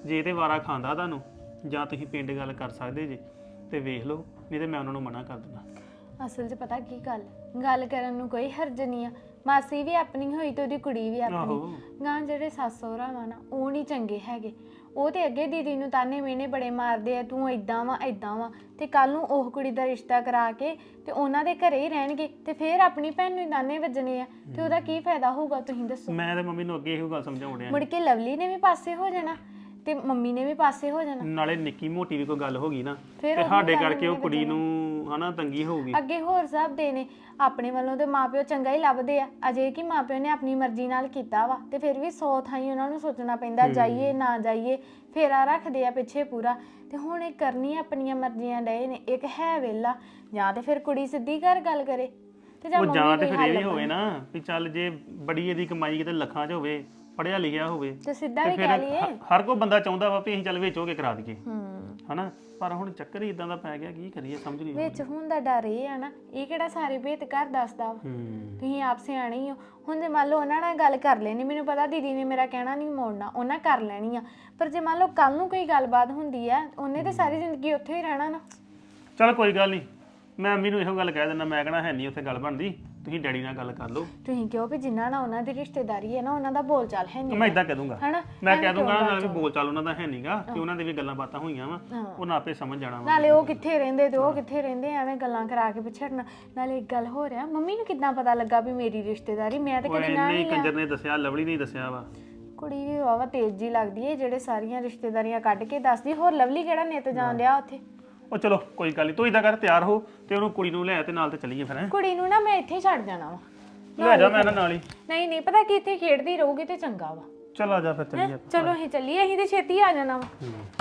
Speaker 2: ਜੇ ਤੇ ਵਾਰਾ ਖਾਂਦਾ ਤੁਹਾਨੂੰ ਜਾਂ ਤੁਸੀਂ ਪਿੰਡ ਗੱਲ ਕਰ ਸਕਦੇ ਜੇ ਤੇ ਵੇਖ ਲਓ, ਨਹੀਂ ਤੇ ਮੈਂ ਉਹਨਾਂ ਨੂੰ ਮਨਾ ਕਰ ਦਿੰਦਾ।
Speaker 6: ਅਸਲ 'ਚ ਪਤਾ ਕੀ ਗੱਲ ਗੱਲ ਕਰਨ ਨੂੰ ਕੋਈ ਹਰਜ ਨਹੀਂ ਆ। ਮਾਸੀ ਵੀ ਆਪਣੀ ਹੋਈ ਤੇ ਉਹਦੀ ਕੁੜੀ ਵੀ ਆਪਣੀ। ਗਾਂ ਜਿਹੜੇ ਸੱਸ ਸਹੁਰਾ ਵਾ ਨਾ ਉਹ ਨਹੀਂ ਚੰਗੇ ਹੈਗੇ। ਉਹ ਤੇ ਅੱਗੇ ਦੀਦੀ ਨੂੰ ਤਾਨੇ ਮਿਹਣੇ ਬੜੇ ਮਾਰਦੇ ਆ, ਤੂੰ ਇਦਾਂ ਵਾ ਇਦਾਂ ਵਾ, ਤੇ ਕੱਲ ਨੂੰ ਉਹ ਕੁੜੀ ਦਾ ਰਿਸ਼ਤਾ ਕਰਾ ਕੇ ਤੇ ਉਹਨਾਂ ਦੇ ਘਰੇ ਹੀ ਰਹਿਣਗੇ ਤੇ ਫਿਰ ਆਪਣੀ ਭੈਣ ਨੂੰ ਤਾਨੇ ਵੱਜਣੇ ਆ, ਤੇ ਉਹਦਾ ਕੀ ਫਾਇਦਾ ਹੋਊਗਾ ਤੁਸੀਂ ਦੱਸੋ।
Speaker 2: ਮੈਂ ਤੇ ਮੰਮੀ ਨੂੰ ਅੱਗੇ ਇਹੋ ਗੱਲ ਸਮਝਾਉਣ ਡਿਆ।
Speaker 6: ਮੁੜ ਕੇ ਲਵਲੀ ਨੇ ਵੀ ਪਾਸੇ ਹੋ ਜਾਣਾ ਤੇ ਮੰਮੀ ਨੇ ਵੀ ਪਾਸੇ ਹੋ ਜਾਣਾ।
Speaker 2: ਨਾਲੇ ਨਿੱਕੀ ਮੋਟੀ ਵੀ ਕੋਈ ਗੱਲ ਹੋ ਗਈ ਨਾ
Speaker 6: ਫਿਰ
Speaker 2: ਤੇ
Speaker 6: ਉਹੀ
Speaker 2: ਸਾਡੇ
Speaker 6: ਗੱਲ
Speaker 2: ਕਰਕੇ ਉਹ
Speaker 6: ਉਹਨੇ
Speaker 2: ਕੁੜੀ ਨੂੰ ਹਨਾ ਤੰਗੀ ਹੋਊਗੀ।
Speaker 6: ਅੱਗੇ ਹੋਰ ਸਭ ਦੇ ਨੇ ਆਪਣੇ ਵੱਲੋਂ ਤੇ ਮਾਪਿਓ ਚੰਗਾ ਹੀ ਲੱਭਦੇ ਆ, ਅਜੇ ਕਿ ਮਾਪਿਓ ਨੇ ਆਪਣੀ ਮਰਜ਼ੀ ਨਾਲ ਕੀਤਾ ਵਾ ਤੇ ਫਿਰ ਵੀ ਸੌ ਥਾਈਂ ਉਹਨਾਂ ਨੂੰ ਸੋਚਣਾ ਪੈਂਦਾ ਜਾਈਏ ਨਾ ਜਾਈਏ, ਫੇਰਾ ਰੱਖਦੇ ਆ ਪਿੱਛੇ ਪੂਰਾ। ਤੇ ਹੁਣ ਇਹ ਕਰਨੀ ਆਪਣੀਆਂ ਮਰਜ਼ੀਆਂ ਡਏ ਨੇ। ਇੱਕ ਹੈ ਵੇਲਾ, ਜਾਂ ਤੇ ਫਿਰ ਕੁੜੀ ਸਿੱਧੀ ਘਰ ਗੱਲ ਕਰੇ ਤੇ ਜਾਂ
Speaker 2: ਉਹ
Speaker 6: ਮੰਮੀ
Speaker 2: ਜਾਂ ਤੇ
Speaker 6: ਕੋਈ
Speaker 2: ਫਿਰ ਇਹ
Speaker 6: ਹੱਲ
Speaker 2: ਵੀ ਹੋਵੇ ਨਾ ਵੀ ਚੱਲ ਜੇ ਬੜੀ ਇਹਦੀ ਕਮਾਈ ਕਿਤੇ ਲੱਖਾਂ 'ਚ ਹੋਵੇ, ਪੜਿਆ ਲਿਖਿਆ ਹੋਵੇ,
Speaker 6: ਤੇ ਸਿੱਧਾ
Speaker 2: ਤੇ
Speaker 6: ਵੀ
Speaker 2: ਫਿਰ
Speaker 6: ਕਹਿ ਲਈਏ।
Speaker 2: ਹ- ਹਰ ਕੋਈ ਬੰਦਾ ਚਾਹੁੰਦਾ ਵਾ ਵੀ ਅਸੀਂ ਚੱਲ ਵਿੱਚ ਹੋ ਕੇ ਕਰਾ ਦਈਏ
Speaker 6: ਹੂੰ
Speaker 2: ਹਨਾ। ਪਰ ਹੁਣ ਚੱਕਰ ਹੀ ਇਦਾਂ ਦਾ ਪੈ ਗਿਆ, ਕੀ ਕਰੀਏ ਸਮਝ ਨਹੀਂ ਆਉਂਦੀ।
Speaker 6: ਵਿੱਚ ਹੁਣ ਦਾ ਡਰ ਇਹ ਆ ਨਾ, ਇਹ ਕਿਹੜਾ ਸਾਰੇ ਭੇਤ ਘਰ ਦੱਸਦਾ ਵਾ।
Speaker 2: ਹੂੰ
Speaker 6: ਤੁਸੀਂ ਆਪ ਸਿਆਣੇ ਹੀ ਹੋ। ਹੁਣ ਜੇ ਮੰਨ ਲਓ ਉਹਨਾਂ ਨਾਲ ਗੱਲ ਕਰ ਲੈਣੀ, ਮੈਨੂੰ ਪਤਾ ਦੀਦੀ ਨੇ ਮੇਰਾ ਕਹਿਣਾ ਨਹੀਂ ਮੋੜਨਾ, ਉਹਨਾਂ ਕਰ ਲੈਣੀ ਆ। ਪਰ ਜੇ ਮੰਨ ਲਓ ਕੱਲ ਨੂੰ ਕੋਈ ਗੱਲਬਾਤ ਹੁੰਦੀ ਆ, ਉਹਨੇ ਤੇ ਸਾਰੀ ਜ਼ਿੰਦਗੀ ਉੱਥੇ ਹੀ ਰਹਿਣਾ ਨਾ।
Speaker 2: ਚੱਲ ਕੋਈ ਗੱਲ ਨਹੀਂ, ਮੈਂ ਮੰਮੀ ਨੂੰ ਇਹੋ ਗੱਲ ਕਹਿ ਦਿੰਦਾ, ਮੈਂ ਕਹਣਾ ਹੈ ਨਹੀਂ ਉੱਥੇ ਗੱਲ ਬਣਦੀ, ਤੁਸੀਂ ਡੈਡੀ ਨਾਲ ਗੱਲ ਕਰ ਲਓ।
Speaker 6: ਤੁਸੀਂ ਕਿਉਂ ਵੀ ਜਿੰਨਾ ਨਾਲ ਉਹਨਾਂ ਦੀ ਰਿਸ਼ਤੇਦਾਰੀ ਹੈ ਨਾ, ਉਹਨਾਂ ਦਾ ਬੋਲ ਚਾਲ ਹੈ ਨਹੀਂ।
Speaker 2: ਮੈਂ ਇਦਾਂ ਕਹਿ ਦੂੰਗਾ,
Speaker 6: ਹਨਾ
Speaker 2: ਮੈਂ ਕਹਿ ਦੂੰਗਾ ਨਾਲ ਵੀ ਬੋਲ ਚਾਲ ਉਹਨਾਂ ਦਾ ਹੈ ਨਹੀਂਗਾ, ਕਿ ਉਹਨਾਂ ਦੇ ਵੀ ਗੱਲਾਂ ਬਾਤਾਂ ਹੋਈਆਂ ਵਾ, ਉਹਨਾਂ ਆਪੇ ਸਮਝ ਜਾਣਾ ਵਾ।
Speaker 6: ਨਾਲੇ ਉਹ ਕਿੱਥੇ ਰਹਿੰਦੇ ਤੇ ਉਹ ਕਿੱਥੇ ਰਹਿੰਦੇ, ਐਵੇਂ ਗੱਲਾਂ ਕਰਾ ਕੇ ਪਿਛੜਨਾ। ਨਾਲੇ ਇੱਕ ਗੱਲ ਹੋ ਰਿਹਾ, ਮੰਮੀ ਨੂੰ ਕਿੱਦਾਂ ਪਤਾ ਲੱਗਾ ਵੀ ਮੇਰੀ ਰਿਸ਼ਤੇਦਾਰੀ? ਮੈਂ ਤਾਂ ਕਦੇ ਨਾ
Speaker 2: ਨਹੀਂ
Speaker 6: ਨਹੀਂ
Speaker 2: ਕੰਜਰ ਨੇ ਦੱਸਿਆ, ਲਵਲੀ ਨੇ ਦੱਸਿਆ ਵਾ।
Speaker 6: ਕੁੜੀ ਵੀ ਵਾਵਾ ਤੇਜ਼ ਜੀ ਲੱਗਦੀ ਏ ਜਿਹੜੇ ਸਾਰੀਆਂ ਰਿਸ਼ਤੇਦਾਰੀਆਂ ਕੱਢ ਕੇ ਦੱਸਦੀ। ਹੋਰ ਲਵਲੀ ਕਿਹੜਾ ਨਿੱਤ ਜਾਣ ਡਿਆ ਉੱਥੇ?
Speaker 2: ਉਹ ਚਲੋ ਕੋਈ ਗੱਲ ਨਹੀਂ, ਤੂੰ ਇਦਾਂ ਕਰ ਤਿਆਰ ਹੋ ਤੇ ਉਹਨੂੰ ਕੁੜੀ ਨੂੰ ਲੈ ਤੇ ਨਾਲ ਤੇ ਚੱਲੀਏ ਫਿਰ। ਹੈਂ
Speaker 6: ਕੁੜੀ ਨੂੰ ਨਾ ਮੈਂ ਇੱਥੇ ਹੀ ਛੱਡ ਜਾਣਾ ਵਾ।
Speaker 2: ਲੈ ਜਾ ਮੈਂ ਇਹਨਾਂ ਨਾਲ ਹੀ।
Speaker 6: ਨਹੀਂ ਨਹੀਂ ਪਤਾ ਕਿ ਇੱਥੇ ਖੇਡਦੀ ਰਹੂਗੀ ਤੇ ਚੰਗਾ ਵਾ।
Speaker 2: ਚੱਲ ਆ ਜਾ ਫਿਰ ਚੱਲੀਏ।
Speaker 6: ਚਲੋ ਅਸੀਂ ਚੱਲੀਏ, ਅਸੀਂ ਤੇ ਛੇਤੀ ਆ ਜਾਣਾ ਵਾ।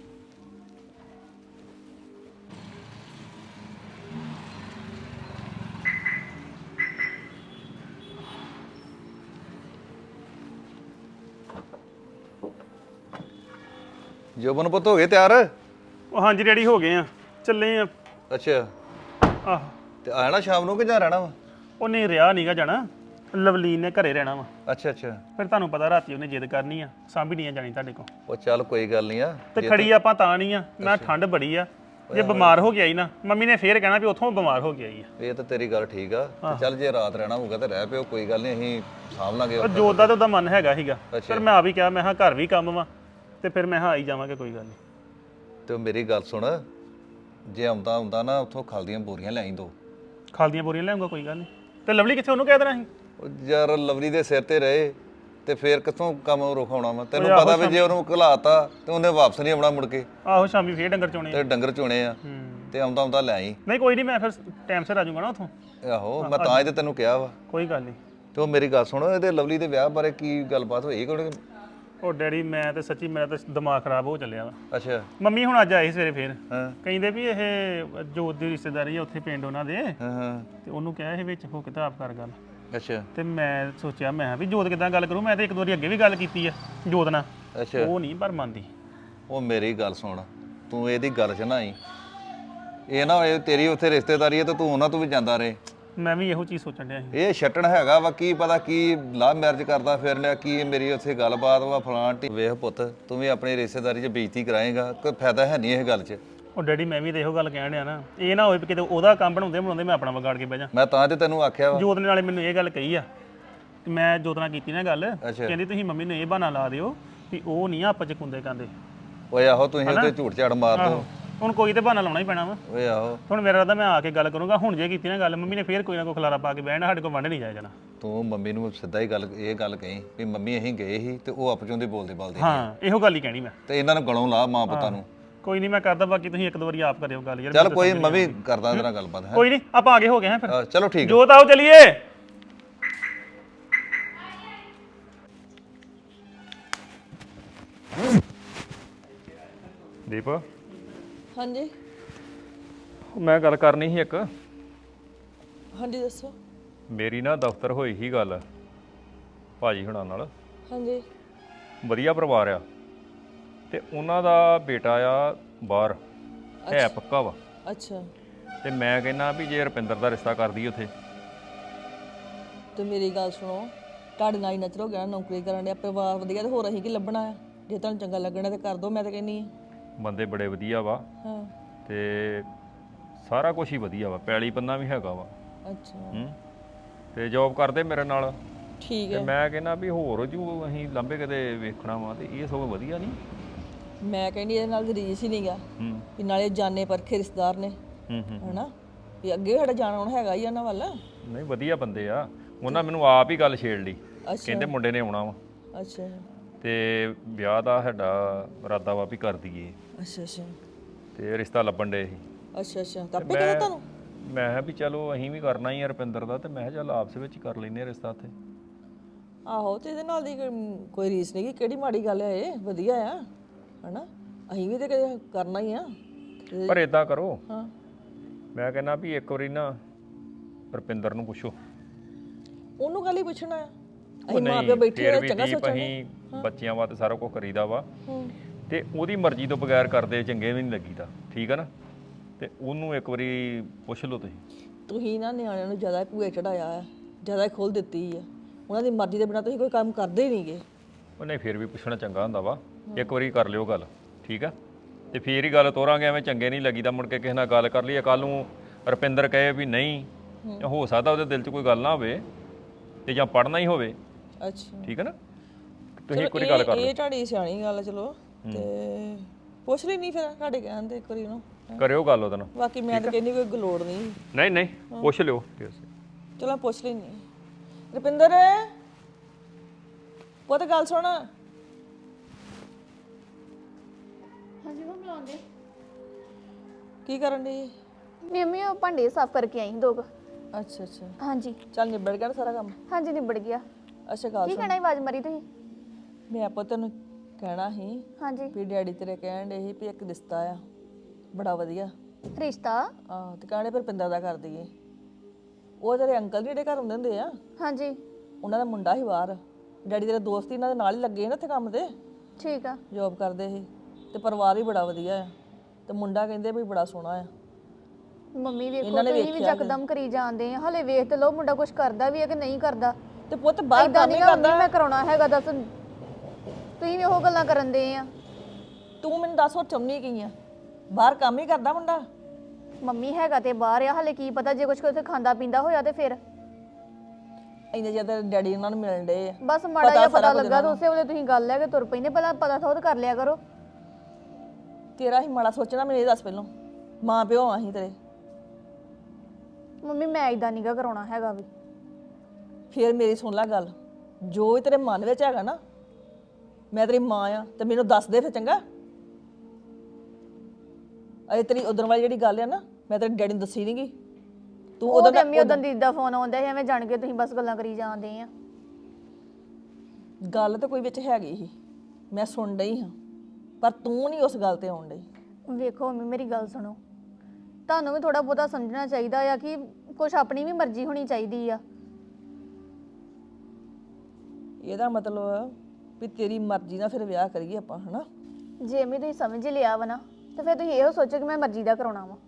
Speaker 1: ਜੋਬਨ ਪੁੱਤ ਹੋ ਗਏ ਤਿਆਰ?
Speaker 2: ਉਹ ਹਾਂਜੀ ਰੈਡੀ ਹੋ ਗਏ ਆ, ਚੱਲੇ ਆ।
Speaker 1: ਅੱਛਾ,
Speaker 2: ਆਹ
Speaker 1: ਤੇ ਆਣਾ ਸ਼ਾਮ ਨੂੰ ਕਿ ਜਾਂ ਰਹਿਣਾ ਵਾ?
Speaker 2: ਉਹ ਨਹੀਂ ਰਿਹਾ ਨਹੀਂਗਾ ਜਾਣਾ, ਲਵਲੀਨ ਨੇ ਘਰੇ ਰਹਿਣਾ ਵਾ।
Speaker 1: ਅੱਛਾ ਅੱਛਾ,
Speaker 2: ਫਿਰ ਤੁਹਾਨੂੰ ਪਤਾ ਰਾਤੀ ਉਹਨੇ ਜਿੱਦ ਕਰਨੀ ਆ, ਸਾਂਭੀ ਨਹੀਂ ਆ ਜਾਣੀ ਤੁਹਾਡੇ ਕੋਲ।
Speaker 1: ਉਹ ਚੱਲ ਕੋਈ ਗੱਲ ਨਹੀਂ ਆ।
Speaker 2: ਤੇ ਖੜੀ ਆਪਾਂ ਤਾਂ ਨਹੀਂ ਆ, ਮੈਂ ਠੰਡ ਬੜੀ ਆ, ਜੇ ਬਿਮਾਰ ਹੋ ਗਿਆ ਹੀ ਨਾ ਮੰਮੀ ਨੇ ਫੇਰ ਕਹਿਣਾ ਵੀ ਉੱਥੋਂ ਬਿਮਾਰ ਹੋ ਗਿਆ ਹੀ ਆ।
Speaker 1: ਇਹ ਤਾਂ ਤੇਰੀ ਗੱਲ ਠੀਕ ਆ। ਤੇ ਚੱਲ ਜੇ ਰਾਤ ਰਹਿਣਾ ਹੋਊਗਾ ਤੇ ਰਹਿ ਪਿਓ, ਕੋਈ ਗੱਲ ਨਹੀਂ, ਅਸੀਂ ਸਾਂਭ ਲਾਂਗੇ।
Speaker 2: ਉਹ ਜੋਤ ਦਾ ਤਾਂ ਉਹਦਾ ਮਨ ਹੈਗਾ ਸੀਗਾ, ਫਿਰ ਮੈਂ ਆ ਵੀ ਕਿਹਾ, ਮੈਂ ਕਿਹਾ ਘਰ ਵੀ ਕੰਮ ਵਾ ਤੇ ਫਿਰ ਮੈਂ ਕਿਹਾ ਆਈ ਜਾਵਾਂਗੇ, ਕੋਈ ਗੱਲ ਨਹੀਂ।
Speaker 1: ਤੇ ਮੇਰੀ ਗੱਲ ਸੁਣ, ਜੇ ਆਉਂਦਾ ਆਉਂਦਾ ਨਾ ਉੱਥੋਂ ਖਲ ਦੀਆਂ ਬੋਰੀਆਂ ਲੈ ਆਈ ਦੋ।
Speaker 2: ਖਲ ਦੀਆਂ ਬੋਰੀਆਂ ਲਿਆਉਂਗਾ, ਕੋਈ ਗੱਲ ਨਹੀਂ। ਤੇ ਲਵਲੀ ਕਿੱਥੇ, ਉਹਨੂੰ ਕਹਿ ਦੇਣਾ ਸੀ।
Speaker 1: ਉਹ ਯਾਰ ਲਵਲੀ ਦੇ ਸਿਰ ਤੇ ਰਹੇ ਤੇ ਫੇਰ ਕਿੱਥੋਂ ਕੰਮ ਰੁਕਾਉਣਾ ਵਾ? ਤੈਨੂੰ ਪਤਾ ਵੀ ਜੇ ਉਹਨੂੰ ਘਲਾਤਾ ਤੇ ਉਹਨੇ ਵਾਪਸ ਨਹੀਂ ਆਉਣਾ ਮੁੜ ਕੇ।
Speaker 2: ਆਹੋ ਸ਼ਾਮੀ ਫੇਰ ਡੰਗਰ ਚੋਣੇ
Speaker 1: ਤੇ ਡੰਗਰ ਚੋਣੇ ਆ, ਤੇ ਆਉਂਦਾ ਆਉਂਦਾ ਲੈ ਆਈ।
Speaker 2: ਨਹੀਂ ਕੋਈ ਨਹੀਂ, ਮੈਂ ਫਿਰ ਟਾਈਮ ਸਿਰ ਆ ਜਾਊਂਗਾ ਨਾ ਉੱਥੋਂ।
Speaker 1: ਆਹੋ ਮੈਂ ਤਾਂ ਹੀ ਤੇ ਤੈਨੂੰ ਕਿਹਾ ਵਾ।
Speaker 2: ਕੋਈ ਗੱਲ ਨਹੀਂ।
Speaker 1: ਤੇ ਉਹ ਮੇਰੀ ਗੱਲ ਸੁਣ, ਇਹਦੇ ਲਵਲੀ ਦੇ ਵਿਆਹ ਬਾਰੇ ਕੀ ਗੱਲਬਾਤ ਹੋਈ ਕੋਈ?
Speaker 2: ਉਹ ਡੈਡੀ ਮੈਂ ਤੇ ਸੱਚੀ ਮੇਰਾ ਤਾਂ ਦਿਮਾਗ ਖਰਾਬ ਹੋ ਚੱਲਿਆ ਵਾ।
Speaker 1: ਅੱਛਾ
Speaker 2: ਮੰਮੀ ਹੁਣ ਅੱਜ ਆਏ ਸਵੇਰੇ ਫੇਰ,
Speaker 1: ਹਾਂ
Speaker 2: ਕਹਿੰਦੇ ਵੀ ਇਹ ਜੋਤ ਦੀ ਰਿਸ਼ਤੇਦਾਰੀ ਆ ਉੱਥੇ ਪਿੰਡ ਉਹਨਾਂ ਦੇ,
Speaker 1: ਹਾਂ ਹਾਂ,
Speaker 2: ਤੇ ਉਹਨੂੰ ਕਿਹਾ ਇਹ ਵਿੱਚ ਹੋ ਕੇ ਤਾਂ ਆਪ ਕਰ ਗੱਲ।
Speaker 1: ਅੱਛਾ
Speaker 2: ਤੇ ਮੈਂ ਸੋਚਿਆ ਮੈਂ ਕਿਹਾ ਵੀ ਜੋਤ ਕਿਦਾਂ ਗੱਲ ਕਰੂ, ਮੈਂ ਤੇ ਇੱਕ ਦੋ ਵਾਰੀ ਅੱਗੇ ਵੀ ਗੱਲ ਕੀਤੀ ਆ ਜੋਤ ਨਾਲ,
Speaker 1: ਅੱਛਾ।
Speaker 2: ਉਹ ਨਹੀਂ ਪਰ ਮੰਨਦੀ।
Speaker 1: ਉਹ ਮੇਰੀ ਗੱਲ ਸੁਣ, ਤੂੰ ਇਹਦੀ ਗੱਲ 'ਚ ਨਾ ਆਈ। ਇਹ ਨਾ ਹੋਏ ਤੇਰੀ ਉੱਥੇ ਰਿਸ਼ਤੇਦਾਰੀ ਹੈ ਤੇ ਤੂੰ ਉਹਨਾਂ ਤੋਂ ਵੀ ਜਾਂਦਾ ਰਹੇ।
Speaker 2: ਮੈਂ ਵੀ ਇਹੋ ਚੀਜ਼ ਸੋਚਣ ਡਿਆ ਸੀ।
Speaker 1: ਇਹ ਛੱਟਣ ਹੈਗਾ ਵਾ, ਕੀ ਪਤਾ ਕੀ ਲਵ ਮੈਰਿਜ ਕਰਦਾ ਫਿਰ ਲਿਆ, ਕੀ ਮੇਰੀ ਉੱਥੇ ਗੱਲਬਾਤ ਵਾ ਫਲਾਂ ਟੀ। ਵੇਖ ਪੁੱਤ, ਤੂੰ ਵੀ ਆਪਣੀ ਰਿਸ਼ਤੇਦਾਰੀ 'ਚ ਬੇਇੱਜ਼ਤੀ ਕਰਾਏਗਾ, ਕੋਈ ਫਾਇਦਾ ਹੈ ਨਹੀਂ ਇਹ ਗੱਲ 'ਚ।
Speaker 2: ਉਹ ਡੈਡੀ ਮੈਂ ਵੀ ਤਾਂ ਇਹੋ ਗੱਲ ਕਹਿਣ ਡਿਆ ਨਾ, ਇਹ ਨਾ ਹੋਏ ਵੀ ਕਿਤੇ ਉਹਦਾ ਕੰਮ ਬਣਾਉਂਦੇ ਬਣਾਉਂਦੇ ਮੈਂ ਆਪਣਾ ਵਿਗਾੜ ਕੇ ਬਹਿ ਜਾ।
Speaker 1: ਮੈਂ ਤਾਂ ਤੇ ਤੈਨੂੰ ਆਖਿਆ ਵਾ।
Speaker 2: ਜੋਤ ਨੇ ਨਾਲੇ ਮੈਨੂੰ ਇਹ ਗੱਲ ਕਹੀ ਆ, ਤੇ ਮੈਂ ਜੋਤ ਨਾਲ ਕੀਤੀ ਨਾ ਗੱਲ,
Speaker 1: ਅੱਛਾ।
Speaker 2: ਕਹਿੰਦੀ ਤੁਸੀਂ ਮੰਮੀ ਨੂੰ ਇਹ ਬਹਾਨਾ ਲਾ ਦਿਓ ਵੀ ਉਹ ਨਹੀਂ ਆਪਸ ਚ ਕੁੰਦੇ ਕਾਂਦੇ।
Speaker 1: ਓਏ ਆਹੋ, ਤੁਸੀਂ ਉੱਤੇ ਝੂਠ ਝਾੜ ਮਾਰ ਦੋ।
Speaker 2: ਹੁਣ ਕੋਈ ਤੇ ਬਹਾਨਾ ਲਾਉਣਾ ਹੀ ਪੈਣਾ ਵਾ।
Speaker 1: ਓਏ ਆਹੋ,
Speaker 2: ਹੁਣ ਮੇਰਾ ਰਾਦਾ ਮੈਂ ਆ ਕੇ ਗੱਲ ਕਰੂੰਗਾ। ਹੁਣ ਜੇ ਕੀਤੀ ਨਾ ਗੱਲ, ਮੰਮੀ ਨੇ ਫੇਰ ਕੋਈ ਨਾ ਕੋਈ ਖਲਾਰਾ ਪਾ ਕੇ ਬਹਿਣਾ, ਸਾਡੇ ਕੋਲ ਵੰਡ ਨਹੀਂ ਜਾਇਆ ਜਾਣਾ।
Speaker 1: ਤੂੰ ਮੰਮੀ ਨੂੰ ਸਿੱਧਾ ਹੀ ਗੱਲ ਇਹ ਗੱਲ ਕਹੀਂ ਵੀ ਮੰਮੀ ਅਸੀਂ ਗਏ ਸੀ ਤੇ ਉਹ ਆਪਚੋਂ ਦੀ ਬੋਲਦੇ ਬੋਲਦੇ
Speaker 2: ਹਾਂ ਇਹੋ ਗੱਲ ਹੀ ਕਹਿਣੀ ਮੈਂ।
Speaker 1: ਤੇ ਇਹਨਾਂ ਨੂੰ ਗਲੋਂ ਲਾ ਮਾਂ ਪੁੱਤਾਂ ਨੂੰ।
Speaker 2: ਕੋਈ ਨਹੀਂ ਮੈਂ ਕਰਦਾ, ਬਾਕੀ ਤੁਸੀਂ ਇੱਕ ਦੋ ਵਾਰੀ ਆਪ ਕਰਿਓ ਗੱਲ ਯਾਰ।
Speaker 1: ਚੱਲ ਕੋਈ ਮੈਂ ਵੀ ਕਰਦਾ ਤੇਰਾ ਗੱਲਬਾਤ ਹੈ।
Speaker 2: ਕੋਈ ਨਹੀਂ, ਆਪਾਂ ਆਗੇ ਹੋ ਗਏ ਹਾਂ ਫਿਰ।
Speaker 1: ਹਾਂ, ਚਲੋ ਠੀਕ।
Speaker 2: ਜੋਤ ਆਓ ਚਲੀਏ।
Speaker 7: ਦੀਪ,
Speaker 8: ਹਾਂਜੀ
Speaker 7: ਮੈਂ ਗੱਲ ਕਰਨੀ ਸੀ ਇੱਕ।
Speaker 8: ਹਾਂਜੀ ਦੱਸੋ।
Speaker 7: ਮੇਰੀ ਨਾ ਦਫ਼ਤਰ ਹੋਈ ਸੀ ਗੱਲ ਭਾਜੀ ਹੁਣਾਂ ਨਾਲ।
Speaker 8: ਹਾਂਜੀ
Speaker 7: ਵਧੀਆ ਪਰਿਵਾਰ ਆ ਤੇ ਉਹਨਾਂ ਦਾ ਬੇਟਾ ਆ ਬਾਹਰ ਹੈ, ਪੱਕਾ ਵਾ।
Speaker 8: ਅੱਛਾ,
Speaker 7: ਤੇ ਮੈਂ ਕਹਿੰਦਾ ਵੀ ਜੇ ਰੁਪਿੰਦਰ ਦਾ ਰਿਸ਼ਤਾ ਕਰਦੀ ਉੱਥੇ।
Speaker 8: ਤੇ ਮੇਰੀ ਗੱਲ ਸੁਣੋ, ਤੁਹਾਡੇ ਨਾਲ ਹੀ ਨਚਰ ਹੋ ਗਿਆ ਨਾ, ਨੌਕਰੀ ਕਰਨ ਡਿਆ, ਪਰਿਵਾਰ ਵਧੀਆ, ਤੇ ਹੋਰ ਅਸੀਂ ਕੀ ਲੱਭਣਾ ਆ? ਜੇ ਤੁਹਾਨੂੰ ਚੰਗਾ ਲੱਗਣਾ ਤੇ ਕਰ ਦੋ, ਮੈਂ ਤਾਂ ਕਹਿੰਨੀ ਆ।
Speaker 7: ਬੰਦੇ ਬੜੇ ਵਧੀਆ ਵਾ
Speaker 8: ਹਾਂ
Speaker 7: ਤੇ ਸਾਰਾ ਕੁਝ ਹੀ ਵਧੀਆ ਵਾ, ਪੈਲੀ ਪੰਨਾ ਵੀ ਹੈਗਾ ਵਾ।
Speaker 8: ਅੱਛਾ
Speaker 7: ਹੂੰ ਤੇ ਜੌਬ ਕਰਦੇ ਮੇਰੇ ਨਾਲ।
Speaker 8: ਠੀਕ
Speaker 7: ਤੇ
Speaker 8: ਹੈ।
Speaker 7: ਮੈਂ ਕਹਿੰਦਾ ਵੀ ਹੋਰ ਜੂ ਅਸੀਂ ਲਾਂਬੇ ਕਿਤੇ ਵੇਖਣਾ ਵਾ ਤੇ ਇਹ ਸਗੋਂ ਵਧੀਆ ਨਹੀਂ।
Speaker 8: ਮੈਂ ਕਹਿੰਦੀ ਇਹਦੇ ਨਾਲ ਰੀਸ ਹੀ ਨਹੀਂਗਾ
Speaker 7: ਹੂੰ
Speaker 8: ਵੀ ਨਾਲੇ ਜਾਣੇ ਪਰਖੇ ਰਿਸ਼ਤੇਦਾਰ ਨੇ
Speaker 7: ਹੂੰ ਹੂੰ
Speaker 8: ਹਨਾ, ਵੀ ਅੱਗੇ ਸਾਡਾ ਜਾਣਾ ਹੁਣ ਹੈਗਾ ਹੀ ਉਹਨਾਂ ਵੱਲ।
Speaker 7: ਨਹੀਂ ਵਧੀਆ ਬੰਦੇ ਆ। ਉਹਨਾਂ ਮੈਨੂੰ ਆਪ ਹੀ ਗੱਲ ਛੇੜ ਲਈ,
Speaker 8: ਅੱਛਾ
Speaker 7: ਕਹਿੰਦੇ ਮੁੰਡੇ ਨੇ ਆਉਣਾ ਵਾ
Speaker 8: ਅੱਛਾ
Speaker 7: ਤੇ ਵਿਆਹ ਦਾ ਸਾਡਾ ਇਰਾਦਾ ਵਾ ਵੀ ਕਰ ਦਈਏ
Speaker 8: ਅੱਛਾ ਅੱਛਾ
Speaker 7: ਤੇ ਰਿਸ਼ਤਾ ਲੱਭਣ ਡੇ ਸੀ।
Speaker 8: ਅੱਛਾ ਅੱਛਾ ਤਾਂ ਆਪੇ ਕਹਿੰਦਾ ਤੁਹਾਨੂੰ?
Speaker 7: ਮੈਂ ਕਿਹਾ ਵੀ ਚਲੋ ਅਸੀਂ ਵੀ ਕਰਨਾ ਹੀ ਆ ਰੁਪਿੰਦਰ ਦਾ, ਤੇ ਮੈਂ ਕਿਹਾ ਚੱਲ ਆਪਸ ਵਿੱਚ ਹੀ ਕਰ ਲੈਨੇ ਆ ਰਿਸ਼ਤਾ ਉੱਥੇ।
Speaker 8: ਆਹੋ ਤੇ ਇਹਦੇ ਨਾਲ ਦੀ ਕੋਈ- ਕੋਈ ਰੀਸ ਨਹੀਂ, ਕਿਹੜੀ ਮਾੜੀ ਗੱਲ ਹੈ, ਇਹ ਵਧੀਆ ਆ ਹਨਾ। ਅਸੀਂ ਵੀ ਤੇ ਕਦੇ ਕਰਨਾ ਹੀ ਆ। ਤੇ-
Speaker 7: ਪਰ ਇਦਾਂ ਕਰੋ,
Speaker 8: ਹਾਂ
Speaker 7: ਮੈਂ ਕਹਿੰਦਾ ਵੀ ਇੱਕ ਵਾਰੀ ਨਾ ਰੁਪਿੰਦਰ ਨੂੰ ਪੁੱਛੋ।
Speaker 8: ਉਹਨੂੰ ਗੱਲ ਹੀ ਪੁੱਛਣਾ ਆ।
Speaker 7: ਉਹ
Speaker 8: ਅਸੀਂ ਮਾਂ
Speaker 7: ਨਹੀਂ,
Speaker 8: ਪਿਓ ਬੈਠੇ
Speaker 7: ਫਿਰ
Speaker 8: ਆ
Speaker 7: ਵੀ
Speaker 8: ਚੰਗਾ
Speaker 7: ਦੀਪ
Speaker 8: ਸੋਚਾਂਗੇ।
Speaker 7: ਅਸੀਂ ਬੱਚਿਆਂ ਵਾਸਤੇ ਸਾਰਾ ਕੁਝ ਕਰੀਦਾ ਵਾ
Speaker 8: ਹੂੰ
Speaker 7: ਤੇ ਉਹਦੀ ਮਰਜ਼ੀ ਤੋਂ ਬਗੈਰ ਕਰਦੇ ਚੰਗੇ ਵੀ ਨਹੀਂ ਲੱਗੀਦਾ, ਠੀਕ ਆ ਨਾ। ਤੇ ਉਹਨੂੰ ਇੱਕ ਵਾਰੀ ਪੁੱਛ ਲਓ ਤੁਸੀਂ।
Speaker 8: ਤੁਸੀਂ ਨਾ ਨਿਆਣਿਆਂ ਨੂੰ ਜ਼ਿਆਦਾ ਭੂਏ ਚੜਾਇਆ ਆ, ਜ਼ਿਆਦਾ ਖੋਲ ਦਿੱਤੀ ਆ। ਉਹਨਾਂ ਦੀ ਮਰਜ਼ੀ ਦੇ ਬਿਨਾਂ ਤੁਸੀਂ ਕੋਈ ਕੰਮ ਕਰਦੇ ਹੀ ਨਹੀਂਗੇ।
Speaker 7: ਉਹ ਨਹੀਂ, ਫਿਰ ਵੀ ਪੁੱਛਣਾ ਚੰਗਾ ਹੁੰਦਾ ਵਾ। ਇੱਕ ਵਾਰੀ ਕਰ ਲਿਓ ਗੱਲ, ਠੀਕ ਆ। ਤੇ ਫੇਰ ਹੀ ਗੱਲ ਤੋਰਾਂਗੇ, ਐਵੇਂ ਚੰਗੇ ਨਹੀਂ ਲੱਗੀਦਾ ਮੁੜ ਕੇ ਕਿਸੇ ਨਾਲ ਗੱਲ ਕਰ ਲਈਏ, ਕੱਲ ਨੂੰ ਰੁਪਿੰਦਰ ਕਹੇ ਵੀ ਨਹੀਂ, ਹੋ ਸਕਦਾ ਉਹਦੇ ਦਿਲ 'ਚ ਕੋਈ ਗੱਲ ਨਾ ਹੋਵੇ ਤੇ ਜਾਂ ਪੜ੍ਹਨਾ ਹੀ ਹੋਵੇ,
Speaker 8: ਅੱਛਾ
Speaker 7: ਠੀਕ ਹੈ ਨਾ। ਤੁਸੀਂ
Speaker 8: ਚਲੋ
Speaker 7: ਇੱਕ ਵਾਰੀ ਗੱਲ ਕਰ
Speaker 8: ਇਹ
Speaker 7: ਲਿਓ,
Speaker 8: ਇਹ ਤੁਹਾਡੀ ਸਿਆਣੀ ਗੱਲ ਆ। ਚਲੋ ਤੇ ਪੁੱਛ ਲਈ ਨਹੀਂ ਫਿਰ ਤੁਹਾਡੇ ਕਹਿਣ ਤੇ ਇੱਕ ਵਾਰੀ ਉਹਨੂੰ।
Speaker 7: ਕਰਿਓ ਗੱਲ ਉਹਦੇ ਨਾਲ।
Speaker 8: ਬਾਕੀ ਮੈਂ ਤਾਂ ਕਹਿੰਦੀ ਕੋਈ ਗਲੋੜ ਨਹੀਂ।
Speaker 7: ਨਹੀਂ ਨਹੀਂ ਪੁੱਛ ਲਿਓ।
Speaker 8: ਚਲੋ ਮੈਂ ਪੁੱਛ ਲੈਣੀ। ਰੁਪਿੰਦਰ ਪੁੱਤ ਗੱਲ ਸੁਣ।
Speaker 3: ਹਾਂਜੀ ਮੈਂ ਬੁਲਾਉਂਦੇ।
Speaker 8: ਕੀ ਕਰਨ ਦੀ?
Speaker 3: ਮੰਮੀ ਉਹ ਭਾਂਡੇ ਸਾਫ਼ ਕਰਕੇ ਆਈ ਦੋ ਕੁ।
Speaker 8: ਅੱਛਾ ਅੱਛਾ
Speaker 3: ਹਾਂਜੀ
Speaker 8: ਚੱਲ ਨਿਬੜ ਗਿਆ ਨਾ ਸਾਰਾ ਕੰਮ?
Speaker 3: ਹਾਂਜੀ ਨਿਬੜ ਗਿਆ।
Speaker 8: ਅੱਛਾ ਗੱਲ
Speaker 3: ਕੀ
Speaker 8: ਸੁਣ,
Speaker 3: ਕਹਿਣਾ ਸੀ, ਆਵਾਜ਼ ਮਾਰੀ ਤੁਸੀਂ?
Speaker 8: ਮੈਂ ਪੁੱਤ ਤੈਨੂੰ ਕਹਿਣਾ ਸੀ
Speaker 3: ਹਾਂਜੀ
Speaker 8: ਵੀ ਡੈਡੀ ਤੇਰੇ ਕਹਿਣ ਦੇ ਸੀ ਵੀ ਇੱਕ ਰਿਸ਼ਤਾ ਆ ਬੜਾ ਵਧੀਆ।
Speaker 3: ਰਿਸ਼ਤਾ?
Speaker 8: ਆਹ ਤੇ ਕਹਿਣੇ ਫਿਰ ਪਿੰਦਰ ਦਾ ਕਰ ਦਈਏ। ਉਹ ਤੇਰੇ ਅੰਕਲ ਜਿਹੜੇ ਘਰ ਹੁੰਦੇ ਹੁੰਦੇ ਆ,
Speaker 3: ਹਾਂਜੀ
Speaker 8: ਉਹਨਾਂ ਦਾ ਮੁੰਡਾ ਸੀ ਬਾਹਰ। ਡੈਡੀ ਤੇਰੇ ਦੋਸਤ ਹੀ ਇਹਨਾਂ ਦੇ ਨਾਲ ਹੀ ਲੱਗੇ ਸੀ ਨਾ ਇੱਥੇ ਕੰਮ ਤੇ,
Speaker 3: ਠੀਕ ਆ।
Speaker 8: ਜੋਬ ਕਰਦੇ ਸੀ। ਤੇ ਪਰਿਵਾਰ ਵੀ ਬੜਾ ਵਧੀਆ ਆ ਤੇ ਮੁੰਡਾ ਕਹਿੰਦੇ ਵੀ ਬੜਾ ਸੋਹਣਾ ਆ।
Speaker 3: ਮੰਮੀ ਵੇਖੋ
Speaker 8: ਇਹਨਾਂ ਨੇ
Speaker 3: ਤੁਸੀਂ ਵੀ
Speaker 8: ਵੇਖਿਆ
Speaker 3: ਯਕਦਮ ਕਰੀ ਜਾਂਦੇ ਆ। ਹਲੇ ਵੇਖ ਤੇ ਲਓ ਮੁੰਡਾ ਕੁਝ ਕਰਦਾ ਵੀ ਹੈ ਕਿ ਨਹੀਂ ਕਰਦਾ।
Speaker 8: ਤੇ ਪੁੱਤ ਬਾਹਰ
Speaker 3: ਏਦਾਂ
Speaker 8: ਕੰਮ ਹੀ
Speaker 3: ਨਹੀਂ ਮੰਮੀ
Speaker 8: ਕਰਦਾ।
Speaker 3: ਮੈਂ ਕਰਾਉਣਾ ਹੈਗਾ, ਦੱਸ ਤੁਸੀਂ ਵੀ ਉਹ ਗੱਲਾਂ ਕਰਨ ਦੇ ਆ।
Speaker 8: ਤੂੰ ਮੈਨੂੰ ਦੱਸ ਉਹ ਚਾਹੁੰਦੀ ਕੀ ਆ? ਬਾਹਰ ਕੰਮ ਹੀ ਕਰਦਾ ਮੁੰਡਾ?
Speaker 3: ਮੰਮੀ ਹੈਗਾ ਤੇ ਬਾਹਰ ਆ, ਹਲੇ ਕੀ ਪਤਾ ਜੇ ਕੁਝ ਉੱਥੇ ਖਾਂਦਾ ਪੀਂਦਾ ਹੋਇਆ ਤੇ ਫਿਰ।
Speaker 8: ਇੰਨੇ ਜਿਆਦਾ ਡੈਡੀ ਉਹਨਾਂ ਨੂੰ ਮਿਲਣ ਡੇ ਆ।
Speaker 3: ਬਸ ਮਾੜਾ ਜਿਹਾ
Speaker 8: ਸਾਰਾ
Speaker 3: ਪਤਾ
Speaker 8: ਕੁਝ
Speaker 3: ਲੱਗਾ
Speaker 8: ਇਹਨਾਂ
Speaker 3: ਤਾਂ ਉਸੇ ਵੇਲੇ ਤੁਸੀਂ ਗੱਲ ਲੈ ਕੇ ਤੁਰ ਪੈਂਦੇ। ਪਹਿਲਾਂ ਪਤਾ ਥੋੜ ਕਰ ਲਿਆ ਕਰੋ।
Speaker 8: ਤੇਰਾ ਹੀ ਮਾੜਾ ਸੋਚਣਾ, ਮੈਨੂੰ ਇਹ ਦੱਸ ਪਹਿਲਾਂ। ਮਾਂ ਪਿਓ ਆ ਅਸੀਂ ਤੇਰੇ।
Speaker 3: ਮੰਮੀ ਮੈਂ ਇਦਾਂ ਨੀਗਾ ਕਰਾਉਣਾ ਹੈਗਾ ਵੀ।
Speaker 8: ਫੇਰ ਮੇਰੀ ਸੁਣ ਲੈ ਗੱਲ, ਜੋ ਵੀ ਤੇਰੇ ਮਨ ਵਿੱਚ ਹੈਗਾ ਨਾ, ਮੈਂ ਤੇਰੀ ਮਾਂ ਆ ਤੇ ਮੈਨੂੰ ਦੱਸ ਦੇ ਫਿਰ, ਚੰਗਾ। ਅਜੇ ਤੇਰੀ ਉਦੋਂ ਵਾਲੀ ਜਿਹੜੀ ਗੱਲ ਆ ਨਾ, ਮੈਂ ਤੇਰੇ ਡੈਡੀ ਨੂੰ ਦੱਸੀ ਨਹੀਂਗੀ। ਤੂੰ
Speaker 3: ਉਹ
Speaker 8: ਉਦੋਂ
Speaker 3: ਤੇ ਅੰਮੀ ਉਦੋਂ ਦੀਦੀ ਦਾ ਫੋਨ ਆਉਂਦਾ ਸੀ, ਐਵੇਂ ਜਾਣ ਕੇ ਤੁਸੀਂ ਬਸ ਗੱਲਾਂ ਕਰੀ ਜਾਂਦੇ ਆ।
Speaker 8: ਗੱਲ ਤਾਂ ਕੋਈ ਵਿੱਚ ਹੈਗੀ ਸੀ, ਮੈਂ ਸੁਣ ਡਈ ਹਾਂ, ਪਰ ਤੂੰ ਨਹੀਂ ਉਸ ਗੱਲ ਤੇ ਆਉਣ ਡਈ।
Speaker 3: ਵੇਖੋ ਮੰਮੀ ਮੇਰੀ ਗੱਲ ਸੁਣੋ, ਤੁਹਾਨੂੰ ਵੀ ਥੋੜਾ ਬਹੁਤਾ ਸਮਝਣਾ ਚਾਹੀਦਾ ਆ ਕਿ ਕੁਝ ਆਪਣੀ ਵੀ ਮਰਜ਼ੀ ਹੋਣੀ ਚਾਹੀਦੀ ਆ।
Speaker 8: ਇਹਦਾ ਮਤਲਬ ਵੀ ਤੇਰੀ ਮਰਜ਼ੀ ਨਾਲ ਫਿਰ ਵਿਆਹ ਕਰੀਏ ਆਪਾਂ, ਹਨਾ?
Speaker 3: ਜੇ ਮੈਂ ਤੁਸੀਂ ਸਮਝ ਲਿਆ ਵਾ ਨਾ, ਤੇ ਫਿਰ ਤੁਸੀਂ ਇਹੋ ਸੋਚੋ ਕਿ ਮੈਂ ਮਰਜ਼ੀ ਦਾ ਕਰਾਉਣਾ ਵਾ।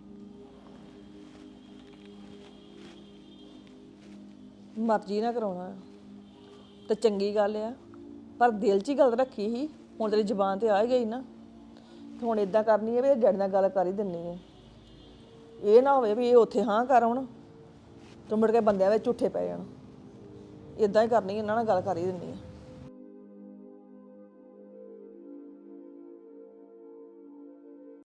Speaker 8: ਮਰਜ਼ੀ ਨਾਲ ਕਰਾਉਣਾ ਤਾਂ ਚੰਗੀ ਗੱਲ ਆ, ਪਰ ਦਿਲ 'ਚ ਹੀ ਗੱਲ ਰੱਖੀ ਸੀ। ਹੁਣ ਤੇਰੀ ਜ਼ੁਬਾਨ ਤੇ ਆ ਹੀ ਗਈ ਨਾ, ਤੇ ਹੁਣ ਇਦਾਂ ਕਰਨੀ ਹੈ ਵੀ ਡੈਡੀ ਨਾਲ ਗੱਲ ਕਰ ਹੀ ਦਿੰਨੀ ਹੈ। ਇਹ ਨਾ ਹੋਵੇ ਵੀ ਇਹ ਉੱਥੇ ਹਾਂ ਕਰ ਹੁਣ ਤੇ ਮੁੜ ਕੇ ਬੰਦਿਆਂ ਵਿੱਚ ਝੂਠੇ ਪੈ ਜਾਣ। ਇਦਾਂ ਹੀ ਕਰਨੀ, ਇਹਨਾਂ ਨਾਲ ਗੱਲ ਕਰ ਹੀ ਦਿੰਨੀ ਹੈ।